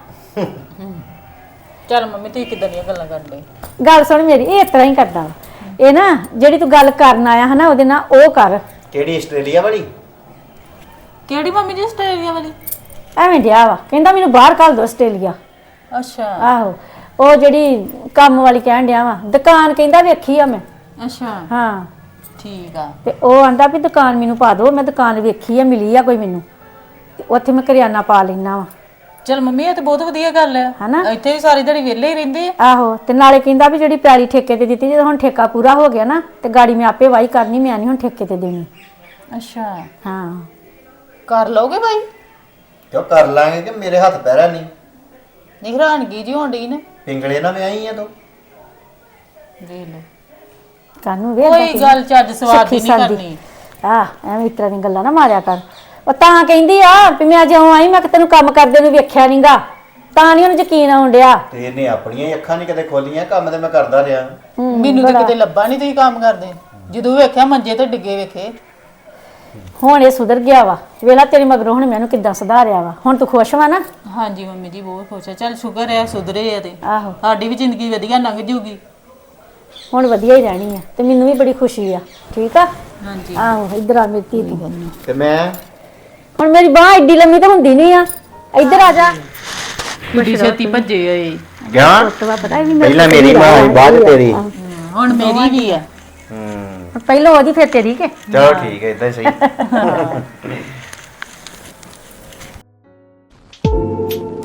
ਚੱਲ ਮੰਮੀ ਤੁਸੀਂ ਕਿਦਾਂ ਦੀਆਂ ਗੱਲਾਂ ਕਰਦੇ? ਗੱਲ ਸੁਣ ਮੇਰੀ, ਇਹ ਇਸ ਤਰ੍ਹਾਂ ਹੀ ਕਰਦਾ ਵਾ ਇਹ ਨਾ। ਜਿਹੜੀ ਤੂੰ ਗੱਲ ਕਰਨ ਆਇਆ ਹਨਾ ਉਹਦੇ ਨਾਲ ਉਹ ਕਰ। ਕਿਹੜੀ ਆਸਟ੍ਰੇਲੀਆ ਵਾਲੀ? ਕਿਹੜੀ ਮੰਮੀ ਜੀ ਆਸਟ੍ਰੇਲੀਆ ਵਾਲੀ? ਐਵੇਂ ਡਿਆ ਵਾ ਕਹਿੰਦਾ ਮੈਨੂੰ ਬਾਹਰ ਘੱਲ ਦੋ ਆਸਟ੍ਰੇਲੀਆ। ਅੱਛਾ ਆਹੋ ਉਹ ਜਿਹੜੀ ਕੰਮ ਵਾਲੀ ਕਹਿਣ ਡਿਆ ਵਾ, ਦੁਕਾਨ ਕਹਿੰਦਾ ਵੇਖੀ ਆ ਮੈਂ। ਅੱਛਾ ਹਾਂ ਠੀਕ ਆ। ਤੇ ਉਹ ਆਂਦਾ ਵੀ ਦੁਕਾਨ ਮੈਨੂੰ ਪਾ ਦਿਓ, ਮੈਂ ਦੁਕਾਨ ਵੇਖੀ ਆ, ਮਿਲੀ ਆ ਕੋਈ ਮੈਨੂੰ, ਤੇ ਉੱਥੇ ਮੈਂ ਕਰਿਆਨਾ ਪਾ ਲੈਣਾ ਵਾ। ਚਲ ਮੰਮੀ ਇਹ ਤਾਂ ਬਹੁਤ ਵਧੀਆ ਗੱਲ ਹੈ ਹਨਾ? ਇੱਥੇ ਵੀ ਸਾਰੀ ਦਿਹਾੜੀ ਵਿਹਲੇ ਹੀ ਰਹਿੰਦੇ ਆ। ਆਹੋ ਤੇ ਨਾਲੇ ਕਹਿੰਦਾ ਵੀ ਜਿਹੜੀ ਪੈਲੀ ਠੇਕੇ ਤੇ ਦਿੱਤੀ, ਜਦੋਂ ਹੁਣ ਠੇਕਾ ਪੂਰਾ ਹੋ ਗਿਆ ਨਾ ਤੇ ਗਾੜੀ ਮੈਂ ਆਪੇ ਵਾਹੀ ਕਰਨੀ, ਮੈਂ ਨਹੀਂ ਹੁਣ ਠੇਕੇ ਤੇ ਦੇਣੀ। ਅੱਛਾ ਹਾਂ ਕਰ ਲਓਗੇ ਭਾਈ? ਕਿਉਂ ਕਰ ਲਾਂਗੇ ਕਿ ਮੇਰੇ ਹੱਥ ਪੈਰਾ ਨਹੀਂ। ਨਹੀਂ ਹੈਰਾਨਗੀ ਜੀ ਹੋਣ ਡਈ ਨੇ। ਪਿੰਗਲੇ ਨਾ ਵਿਆਹੀ ਆ ਤੂੰ। ਵੇਖ ਲਓ ਕਾਨੂੰ ਵੇ ਕੋਈ ਗੱਲ ਚੱਜ ਸਵਾਦ ਦੀ ਨਹੀਂ ਕਰਨੀ। ਆ ਐਵੇਂ ਇਸ ਤਰ੍ਹਾਂ ਦੀਆਂ ਗੱਲਾਂ ਨਾ ਮਾਰਿਆ ਕਰ। ਉਹ ਤਾਂ ਕਹਿੰਦੀ ਆ ਵੀ ਮੈਂ ਜਿਉਂ ਆਈ ਮੈਂ ਕਿ ਤੈਨੂੰ ਕੰਮ ਕਰਦੇ ਨੂੰ ਵੇਖਿਆ ਨਹੀਂਗਾ, ਤਾਂ ਨਹੀਂ ਉਹਨੂੰ ਯਕੀਨ ਆਉਣ ਡਿਆ। ਤੇ ਇਹਨੇ ਆਪਣੀਆਂ ਹੀ ਅੱਖਾਂ ਨਹੀਂ ਕਦੇ ਖੋਲੀਆਂ, ਕੰਮ ਤੇ ਮੈਂ ਕਰਦਾ ਰਿਹਾ। ਮੈਨੂੰ ਤਾਂ ਕਿਤੇ ਲੱਭਾ ਨਹੀਂ ਤੁਸੀਂ ਕੰਮ ਕਰਦੇ। ਜਦੋਂ ਵੇਖਿਆ ਮੰਜੇ ਤੇ ਡਿੱਗੇ ਵੇਖੇ। ਹੁਣ ਇਹ ਸੁਧਰ ਗਿਆ ਵਾ, ਵੇਲਾ ਤੇਰੀ ਮਗਰੋਂ ਹੁਣ ਮੈਨੂੰ ਕਿੱਦਾਂ ਸੁਧਾਰਿਆ ਵਾ। ਹੁਣ ਤੂੰ ਖੁਸ਼ ਵਾ ਨਾ? ਹਾਂਜੀ ਮੰਮੀ ਜੀ ਬਹੁਤ ਖੁਸ਼ ਆ। ਚੱਲ ਸ਼ੁਕਰ ਹੈ ਸੁਧਰੇ ਆ ਤੇ ਆਹੋ ਸਾਡੀ ਵੀ ਜ਼ਿੰਦਗੀ ਵਧੀਆ ਲੰਘ ਜੂਗੀ। ਹੁਣ ਵਧੀਆ ਹੀ ਰਹਿਣੀ ਆ ਤੇ ਮੈਨੂੰ ਵੀ ਬੜੀ ਖੁਸ਼ੀ ਆ। ਠੀਕ ਆ? ਹਾਂਜੀ ਆਹੋ ਇੱਧਰ ਆ ਮੇਰੀ ਧੀ ਤੂੰ। ਤੇ ਮੈਂ ਹੁਣ ਮੇਰੀ ਬਾਹ ਏਡੀ ਲੰਮੀ ਤਾਂ ਹੁੰਦੀ ਨਹੀਂ ਆ। ਇੱਧਰ ਆ ਜਾ। ਕਿੱਡੀ ਛੇਤੀ ਭੱਜੇ ਹੋਏ। ਗਿਆ ਤਵਾ ਪਤਾ ਵੀ ਪਹਿਲਾਂ ਮੇਰੀ ਮਾਂ ਹੋਈ, ਬਾਅਦ ਤੇਰੀ। ਹੁਣ ਮੇਰੀ ਵੀ ਆ। ਹੂੰ ਪਹਿਲਾਂ ਉਹਦੀ ਫਿਰ ਤੇਰੀ ਕੇ। ਚਲੋ ਠੀਕ ਹੈ, ਇਦਾਂ ਹੀ ਸਹੀ।